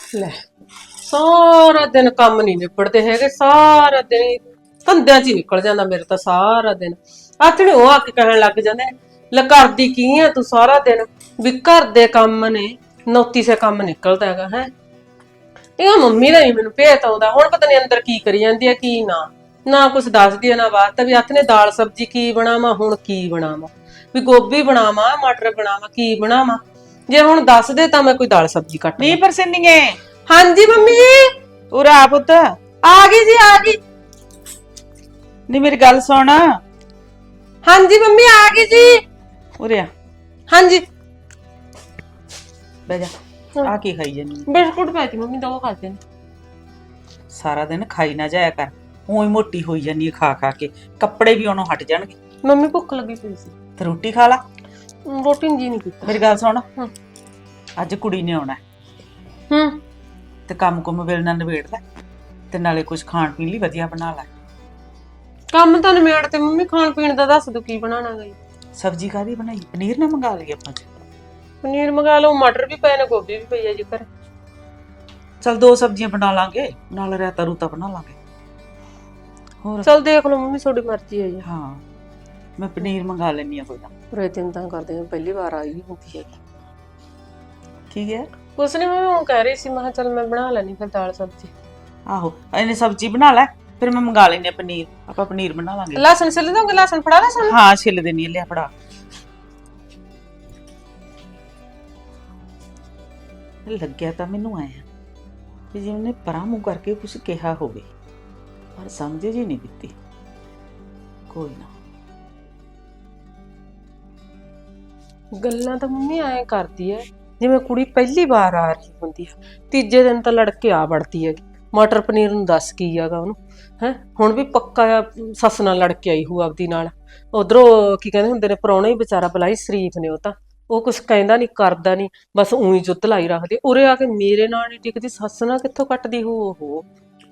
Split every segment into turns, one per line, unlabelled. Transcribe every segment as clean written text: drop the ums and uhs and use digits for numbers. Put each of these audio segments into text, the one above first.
ਲੈ ਸਾਰਾ ਦਿਨ ਕੰਮ ਨਹੀਂ ਨਿਬੜਦੇ ਹੈਗੇ। ਸਾਰਾ ਦਿਨ ਹੀ ਧੰਦਿਆਂ 'ਚ ਹੀ ਨਿਕਲ ਜਾਂਦਾ ਮੇਰੇ ਤਾਂ ਸਾਰਾ ਦਿਨ। ਆਥਣੇ ਉਹ ਆ ਕੇ ਕਹਿਣ ਲੱਗ ਜਾਂਦੇ ਨੇ, ਲੈ ਕਰਦੀ ਕੀ ਆ ਤੂੰ ਸਾਰਾ ਦਿਨ, ਵੀ ਘਰ ਦੇ ਕੰਮ ਨੇ, ਨੌਤੀ ਸੇ ਕੰਮ ਨਿਕਲਦਾ ਹੈਗਾ ਹੈ। ਇਹ ਮੰਮੀ ਦਾ ਹੀ ਮੈਨੂੰ ਭੇਤ ਆਉਂਦਾ। ਹੁਣ ਪਤਾ ਨੀ ਅੰਦਰ ਕੀ ਕਰੀ ਜਾਂਦੀ ਆ ਕੀ ਨਾ ਨਾ ਕੁਛ ਦੱਸਦੀ ਆ ਨਾ ਬਾਤ। ਵੀ ਆਥਣੇ ਦਾਲ ਸਬਜ਼ੀ ਕੀ ਬਣਾਵਾਂ, ਹੁਣ ਕੀ ਬਣਾਵਾਂ, ਵੀ ਗੋਭੀ ਬਣਾਵਾਂ ਮਟਰ ਬਣਾਵਾਂ ਕੀ ਬਣਾਵਾਂ। ਜੇ ਹੁਣ ਦੱਸ ਦੇ ਤਾਂ ਮੈਂ ਕੋਈ ਦਾਲ ਸਬਜ਼ੀ ਕੱਟ ਲਾਂ।
ਨੀ ਪਰਸਨੀਏ
ਹਾਂਜੀ ਮੰਮੀ ਜੀ
ਉਰਾ ਆ ਪੁੱਤ।
ਆ ਗਈ ਜੀ ਆ ਗਈ।
ਨੀ ਮੇਰੀ ਗੱਲ ਸੁਣ।
ਹਾਂਜੀ ਮੰਮੀ ਆ ਗਈ ਜੀ।
ਉਰੇ ਆ
ਹਾਂਜੀ
ਬਹਿ ਜਾ। ਆ ਕੀ ਖਾਈ ਜਾਨੀ?
ਬਿਸਕੁਟ ਪਾਤੀ ਮੰਮੀ, ਦੋ ਖਾਤੇ ਨੇ।
ਸਾਰਾ ਦਿਨ ਖਾਈ ਨਾ ਜਾਇਆ ਕਰ, ਊਂ ਹੀ ਮੋਟੀ ਹੋਈ ਜਾਨੀ ਹੈ ਖਾ ਖਾ ਕੇ। ਕੱਪੜੇ ਵੀ ਉਹਨੂੰ ਹਟ ਜਾਣਗੇ।
ਮੰਮੀ ਭੁੱਖ ਲੱਗੀ ਪਈ ਸੀ
ਤੇ ਰੋਟੀ ਖਾ ਲਾ।
ਰੋਟੀ ਜੀ ਨਹੀਂ ਕੀਤਾ।
ਮੇਰੀ ਗੱਲ ਸੁਣ, ਅੱਜ ਕੁੜੀ ਨੇ ਆਉਣਾ ਤੇ ਕੰਮ ਕੁਮ ਵੇਲਣਾ ਨਵੇੜ ਲੈ, ਤੇ ਨਾਲੇ ਕੁਝ ਖਾਣ ਪੀਣ ਲਈ ਵਧੀਆ ਬਣਾ ਲੈ।
ਕੰਮ ਤਾਂ ਨਿਮੇੜ ਤੇ ਮੰਮੀ, ਖਾਣ ਪੀਣ ਦਾ ਦੱਸ ਦੋ ਕੀ ਬਣਾਣਾ ਗਈ।
ਸਬਜ਼ੀ ਕਾਹਦੀ ਬਣਾਈ? ਪਨੀਰ ਨਾ ਮੰਗਾ ਲਈਏ ਆਪਾਂ।
ਪਨੀਰ ਮੰਗਾ ਲਓ, ਮਟਰ ਵੀ ਪਏ ਨੇ, ਗੋਭੀ ਵੀ ਪਈ ਹੈ ਜੀ ਘਰ।
ਚਲ ਦੋ ਸਬਜ਼ੀਆਂ ਬਣਾ ਲਾਂਗੇ, ਨਾਲ ਰਾਇਤਾ ਰੂਤਾ ਬਣਾ ਲਾਂਗੇ। ਹੋਰ
ਚਲ ਦੇਖ ਲਓ ਮੰਮੀ, ਤੁਹਾਡੀ ਮਰਜ਼ੀ ਹੈ ਜੀ।
ਹਾਂ ਮੈਂ ਪਨੀਰ ਮੰਗਾ ਲੈਣੀ ਆ ਕੋਈ ਨਾ।
ਪੂਰੇ ਦਿਨ ਤਾਂ ਕਰਦੇ ਹਾਂ, ਪਹਿਲੀ ਵਾਰ ਆਈ ਹੁੰਦੀ ਹੈ।
ਠੀਕ ਹੈ।
ਕੁਛ ਨੀ ਮੰਮੀ, ਉਹ ਕਹਿ ਰਹੀ ਸੀ, ਮੈਂ ਚਲ ਮੈਂ ਬਣਾ ਲੈਣੀ ਫਿਰ ਦਾਲ ਸਬਜ਼ੀ।
ਆਹੋ ਇਹਨੇ ਸਬਜ਼ੀ ਬਣਾ ਲੈ, ਫਿਰ ਮੈਂ ਮੰਗਾ ਲੈਣੀ ਆ ਪਨੀਰ। ਆਪਾਂ ਪਨੀਰ ਬਣਾ ਲਾਂਗੇ।
ਲਸਣ ਛਿੱਲ ਦੋਗੇ? ਲਸਣ ਫੜਾ ਲਸਣ।
ਹਾਂ ਛਿੱਲ ਦੇਣੀ ਲਿਆ ਫੜਾ। ਲੱਗਿਆ ਤਾਂ ਮੈਨੂੰ ਆਇਆ ਵੀ ਜਿਵੇਂ ਨੇ ਪਰਾਂ ਮੂੰਹ ਕਰਕੇ ਕੁਝ ਕਿਹਾ ਹੋਵੇ, ਪਰ ਸਮਝ ਜੀ ਨਹੀਂ ਦਿੱਤੀ। ਕੋਈ ਨਾ,
ਗੱਲਾਂ ਤਾਂ ਮੰਮੀ ਐਂ ਕਰਦੀ ਐ ਜਿਵੇਂ ਕੁੜੀ ਪਹਿਲੀ ਵਾਰ ਆ ਰਹੀ ਹੁੰਦੀ ਆ। ਤੀਜੇ ਦਿਨ ਤਾਂ ਲੜਕੇ ਆ ਵੜਦੀ ਹੈਗੀ। ਮਟਰ ਪਨੀਰ ਨੂੰ ਦੱਸ ਕੀ ਹੈਗਾ ਉਹਨੂੰ ਹੈ। ਹੁਣ ਵੀ ਪੱਕਾ ਸੱਸ ਨਾਲ ਲੜ ਕੇ ਆਈ ਹੂ ਆਪਦੀ ਨਾਲ। ਉਧਰੋਂ ਕੀ ਕਹਿੰਦੇ ਹੁੰਦੇ ਨੇ, ਪ੍ਰਾਹੁਣਾ ਹੀ ਵਿਚਾਰਾ ਬਲਾਈ ਸ਼ਰੀਫ ਨੇ, ਉਹ ਤਾਂ ਉਹ ਕੁਛ ਕਹਿੰਦਾ ਨਹੀਂ ਕਰਦਾ ਨਹੀਂ, ਬਸ ਉਹੀ ਜੁੱਧ ਲਾਈ ਰੱਖਦੇ। ਉਰੇ ਆ ਕੇ ਮੇਰੇ ਨਾਲ ਨਹੀਂ ਟਿਕਦੀ, ਸੱਸ ਨਾਲ ਕਿੱਥੋਂ ਕੱਟਦੀ ਹੂ ਉਹ।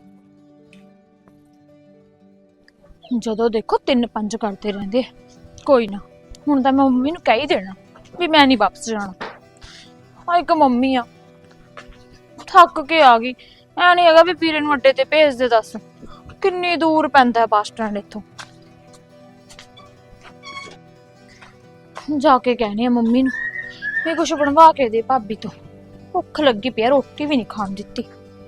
ਜਦੋਂ ਦੇਖੋ 3-5 ਕਰਦੇ ਰਹਿੰਦੇ। ਕੋਈ ਨਾ, ਹੁਣ ਤਾਂ ਮੈਂ ਮੰਮੀ ਨੂੰ ਕਹਿ ਹੀ ਦੇਣਾ ਵੀ ਮੈਂ ਨਹੀਂ ਵਾਪਸ ਜਾਣਾ। ਆ ਇੱਕ ਮੰਮੀ ਆ, ਥੱਕ ਕੇ ਆ ਗਈ। ਐ ਨਹੀਂ ਹੈਗਾ ਵੀ ਵੀਰੇ ਨੂੰ ਅੱਡੇ ਤੇ ਭੇਜ ਦੇ। ਦੱਸ ਕਿੰਨੀ ਦੂਰ ਪੈਂਦਾ ਬੱਸ ਸਟੈਂਡ ਇੱਥੋਂ। ਜਾ ਕੇ ਕਹਿਣੀ ਆ ਮੰਮੀ ਨੂੰ ਵੀ ਕੁਛ ਬਣਵਾ ਕੇ ਦੇ ਭਾਬੀ ਤੋਂ, ਭੁੱਖ ਲੱਗੀ ਪਈ ਆ, ਰੋਟੀ ਵੀ ਨਹੀਂ ਖਾਣ ਦਿੱਤੀ।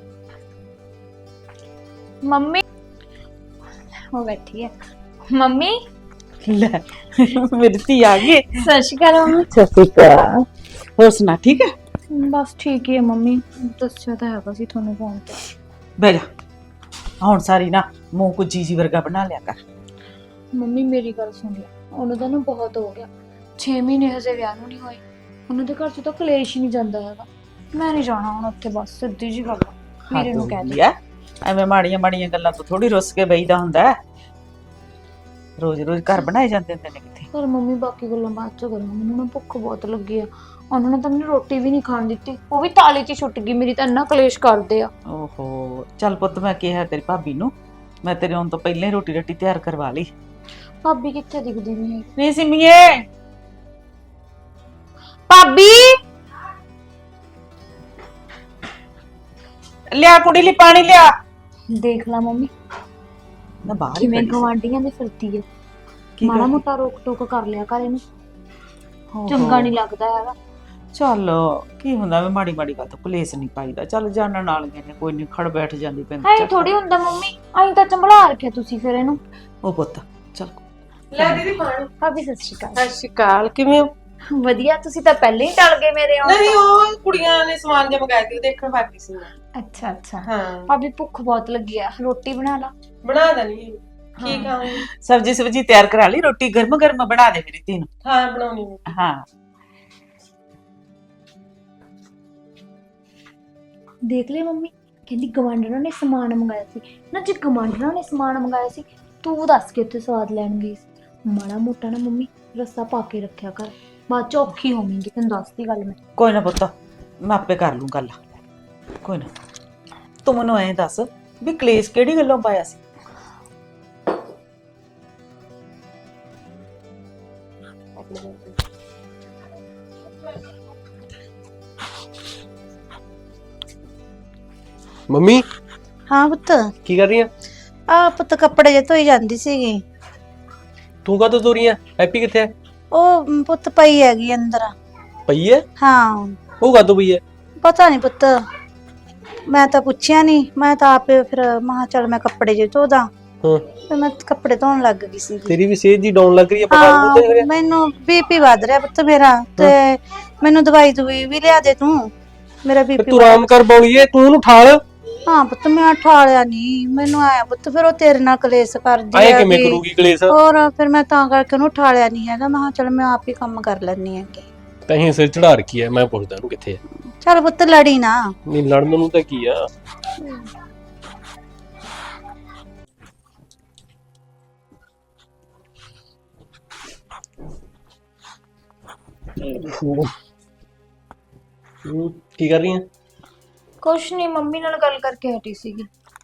ਮੰਮੀ ਉਹ ਬੈਠੀ ਹੈ। ਮੰਮੀ
ਲੈ ਮੇਰੀ ਧੀ ਆ ਗਈ।
ਸਤਿ ਸ਼੍ਰੀ ਅਕਾਲ ਮੰਮੀ।
ਸਤਿ ਸ਼੍ਰੀ ਅਕਾਲ। ਹੋਰ ਸੁਣਾ, ਠੀਕ ਹੈ?
ਬਸ ਠੀਕ ਹੀ ਹੈ ਮੰਮੀ, ਦੱਸਿਆ ਤਾਂ ਹੈਗਾ ਸੀ ਤੁਹਾਨੂੰ ਫੋਨ ਤੇ।
ਬਹਿ ਜਾ। ਹੁਣ ਸਾਰੀ ਨਾ ਮੂੰਹ ਕੋ ਜੀ ਵਰਗਾ ਬਣਾ ਲਿਆ ਕਰ।
ਮੰਮੀ ਮੇਰੀ ਗੱਲ ਸੁਣ ਲੈ, ਉਹਨੂੰ ਤਾਂ ਨਾ ਬਹੁਤ ਹੋ ਗਿਆ। 6 ਮਹੀਨੇ ਹਜੇ ਵਿਆਹ ਨੂੰ ਨਹੀਂ ਹੋਏ। ਉਹਨਾਂ ਦੇ ਘਰ 'ਚ ਤਾਂ ਕਲੇਸ਼ ਹੀ ਨਹੀਂ ਜਾਂਦਾ ਹੈਗਾ। ਮੈਂ ਨਹੀਂ ਜਾਣਾ ਹੁਣ ਉੱਥੇ, ਬਸ ਸਿੱਧੀ ਜੀ ਗੱਲ ਆ। ਵੀਰੇ ਨੂੰ ਕਹਿ ਦੇ।
ਐਵੇਂ ਮਾੜੀਆਂ ਮਾੜੀਆਂ ਗੱਲਾਂ ਤੋਂ ਥੋੜੀ ਰੁੱਸ ਕੇ ਬਈਦਾ ਹੁੰਦਾ। ਰੋਜ਼ ਰੋਜ਼ ਘਰ ਬਣਾਏ ਜਾਂਦੇ ਹੁੰਦੇ ਨੇ ਕਿੱਥੇ।
ਪਰ ਮੰਮੀ ਬਾਕੀ ਗੱਲਾਂ ਬਾਅਦ 'ਚ ਕਰਾਂਗੇ, ਮੈਨੂੰ ਨਾ ਭੁੱਖ ਬਹੁਤ ਲੱਗੀ ਆ। ਉਹਨਾਂ ਨੇ ਤਾਂ ਮੈਨੂੰ ਰੋਟੀ ਵੀ ਨਹੀਂ ਖਾਣ ਦਿੱਤੀ, ਉਹ ਵੀ ਤਾਲੇ 'ਚ ਛੁੱਟ ਗਈ ਮੇਰੀ। ਤਾਂ ਇੰਨਾ ਕਲੇਸ਼ ਕਰਦੇ ਆ।
ਓਹੋ ਚੱਲ ਪੁੱਤ, ਮੈਂ ਕਿਹਾ ਤੇਰੀ ਭਾਬੀ ਨੂੰ, ਮੈਂ ਤੇਰੇ ਆਉਣ ਤੋਂ ਪਹਿਲਾਂ ਹੀ ਰੋਟੀ ਰੱਟੀ ਤਿਆਰ ਕਰਵਾ ਲਈ।
ਭਾਬੀ ਕਿੱਥੇ ਦਿਖਦੀ ਨਹੀਂ?
ਨਹੀਂ ਸਿੰਮੀਏ,
ਭਾਬੀ
ਲਿਆ ਕੁੜੀ ਲਈ ਪਾਣੀ ਲਿਆ।
ਦੇਖ ਲਾ ਮੰਮੀ
ਨਾ ਬਾਹਰ ਹੀ
ਕਿਵੇਂ
ਖੜੀ ਸੀ।
ਗਵਾਂਢੀਆਂ ਦੇ ਫਿਰਦੀ ਹੈ।
ਕੀ
ਮਾੜਾ
ਕਰਦੀ?
ਮੋਟਾ ਰੋਕ ਟੋਕ ਕਰ ਲਿਆ ਕਰ ਇਹਨੂੰ,
ਓਹੋ।
ਚੰਗਾ ਨਹੀਂ ਲੱਗਦਾ ਹੈਗਾ।
ਚੱਲ ਕੀ ਹੁੰਦਾ, ਮੈਂ ਮਾੜੀ ਮਾੜੀ ਗੱਲ ਤੋਂ ਕਲੇਸ਼ ਨਹੀਂ ਪਾਈਦਾ। ਚੱਲ ਜਾਣਨ ਵਾਲੀਆਂ ਨੇ, ਕੋਈ ਨਹੀਂ, ਖੜ ਬੈਠ ਜਾਂਦੀ ਪੈਂਦੀ।
ਐਂ ਥੋੜੀ ਹੁੰਦਾ ਮੰਮੀ, ਐਂ ਤਾਂ ਚੰਬਲਾ ਰੱਖਿਆ ਤੁਸੀਂ ਫਿਰ ਇਹਨੂੰ।
ਉਹ ਪੁੱਤ ਚੱਲ।
ਲੈ ਦੀਦੀ ਪਾਣੀ।
ਭਾਬੀ ਸਤਿ ਸ਼੍ਰੀ ਅਕਾਲ।
ਸਤਿ ਸ਼੍ਰੀ ਅਕਾਲ, ਕਿਵੇਂ ਹੋ?
ਵਧੀਆ, ਤੁਸੀਂ ਤਾਂ ਪਹਿਲਾਂ ਹੀ ਟਲ ਗਏ ਮੇਰੇ ਆਉਣ
ਨਹੀਂ,
ਤੋਂ।
ਉਹ ਕੁੜੀਆਂ ਨੇ ਸਮਾਨ ਜਿਹਾ ਮੰਗਾਇਆ ਸੀ, ਉਹ ਦੇਖਣ ਬਾਕੀ ਸੀ ਮੈਂ।
ਅੱਛਾ ਅੱਛਾ।
ਹਾਂ
ਭਾਬੀ ਭੁੱਖ ਬਹੁਤ ਲੱਗੀ ਆ, ਰੋਟੀ ਬਣਾ ਲਾ।
ਬਣਾ ਦਣੀ। ਕੀ ਖਾਵਾਂਗੀ?
ਸਬਜੀ ਤਿਆਰ ਕਰਾ ਲਈ, ਰੋਟੀ ਗਰਮ ਗਰਮ ਬਣਾ ਦੇ ਮੇਰੀ ਧੀ ਨੂੰ।
ਹਾਂ ਬਣਾਉਣੀ ਹੈ।
ਹਾਂ
ਦੇਖ ਲੈ ਮੰਮੀ, ਕਹਿੰਦੀ ਗਵਾਂਢਣਾਂ ਨੇ ਸਮਾਨ ਮੰਗਾਇਆ ਸੀ ਨਾ। ਜੇ ਗਵਾਂਢਣਾਂ ਨੇ ਸਮਾਨ ਮੰਗਾਇਆ ਸੀ, ਤੂੰ ਦੱਸ ਕੇ ਉੱਥੇ ਸਵਾਦ ਲੈਣ ਗਈ ਸੀ। ਮਾੜਾ ਮੋਟਾ ਨਾ ਮੰਮੀ ਰੱਸਾ ਪਾ ਕੇ ਰੱਖਿਆ ਕਰ, ਬਾਅਦ ਚ ਔਖੀ ਹੋਵੇਂਗੀ। ਤੈਨੂੰ ਦੱਸਦੀ ਗੱਲ ਮੈਂ।
ਕੋਈ ਨਾ ਪੁੱਤ, ਮੈਂ ਆਪੇ ਕਰ ਲੂੰ ਗੱਲ। ਕੋਈ ਨਾ, ਤੂੰ ਮੈਨੂੰ ਐਂ ਦੱਸ ਵੀ ਕਲੇਸ਼ ਕਿਹੜੀ ਗੱਲੋਂ ਪਾਇਆ ਸੀ?
ਮੰਮੀ
ਹਾਂ ਪੁੱਤ,
ਕੀ ਕਰ ਰਹੀ ਆ?
ਆ ਪੁੱਤ ਕੱਪੜੇ ਜੇ ਧੋਈ ਜਾਂਦੀ ਸੀਗੀ।
ਤੂੰ ਕਾਹਤੋਂ ਧੋ ਰਹੀ ਆ? ਹੈਪੀ ਕਿੱਥੇ ਹੈ?
ਉਹ ਪੁੱਤ ਪਈ ਹੈਗੀ ਅੰਦਰ।
ਪਈ ਹੈ?
ਹਾਂ
ਉਹ ਕਾਹਤੋਂ ਪਈ ਹੈ?
ਪਤਾ ਨਹੀਂ ਪੁੱਤ, ਮੈਂ ਤਾਂ ਪੁੱਛਿਆ ਨਹੀਂ, ਮੈਂ ਤਾਂ ਆਪੇ ਫਿਰ ਮਹਾ ਚੱਲ ਮੈਂ ਕੱਪੜੇ ਜੇ ਧੋਦਾ।
ਹਾਂ
ਫਿਰ ਮੈਂ ਕੱਪੜੇ ਧੋਣ ਲੱਗ ਗਈ ਸੀਗੀ।
ਤੇਰੀ ਵੀ ਸਿਹਤ ਜੀ ਡਾਊਨ ਲੱਗ ਰਹੀ ਹੈ, ਪਤਾ
ਹਾਂ
ਨਹੀਂ
ਮੈਨੂੰ ਬੀਪੀ ਵੱਧ ਰਿਹਾ ਪੁੱਤ ਮੇਰਾ, ਤੇ ਮੈਨੂੰ ਦਵਾਈ ਵੀ ਲਿਆ ਦੇ ਤੂੰ, ਮੇਰਾ ਬੀਪੀ।
ਤੂੰ ਆਰਾਮ ਕਰ ਬੌਲੀਏ, ਤੂੰ ਉਹਨੂੰ ਠਾਲ।
ਹਾਂ ਪੁੱਤ ਮੈਂ ਠਾਲਿਆ ਨਹੀਂ, ਮੈਨੂੰ ਆਇਆ ਪੁੱਤ ਫਿਰ ਉਹ ਤੇਰੇ ਨਾਲ ਕਲੇਸ਼ ਕਰਦੀ
ਆਏ
ਆ
ਕਿਵੇਂ
ਵੀ।
ਕਰੂਗੀ ਕਲੇਸ਼?
ਹੋਰ ਫਿਰ ਮੈਂ ਤਾਂ ਕਰਕੇ ਉਹਨੂੰ ਠਾਲਿਆ ਨਹੀਂ ਹੈਗਾ, ਮੈਂ ਕਿਹਾ ਚੱਲ ਮੈਂ ਆਪ ਹੀ ਕੰਮ ਕਰ ਲੈਣੀ ਹੈਗੀ।
ਤਹੀਂ ਸਿਰ ਚੜਾ ਰੱਖੀ ਹੈ, ਮੈਂ ਪੁੱਛਦਾ ਉਹਨੂੰ ਕਿੱਥੇ ਹੈ।
ਚੱਲ ਪੁੱਤ ਲੜੀ ਨਾ।
ਨਹੀਂ ਲੜਨ ਨੂੰ ਤਾਂ ਕੀ ਆ। ਕੀ ਕਰ ਰਹੀ ਹੈ?
ਕੁਛ ਨਹੀਂ, ਮੰਮੀ ਨਾਲ ਗੱਲ ਕਰਕੇ ਹਟੀ ਸੀਗੀ।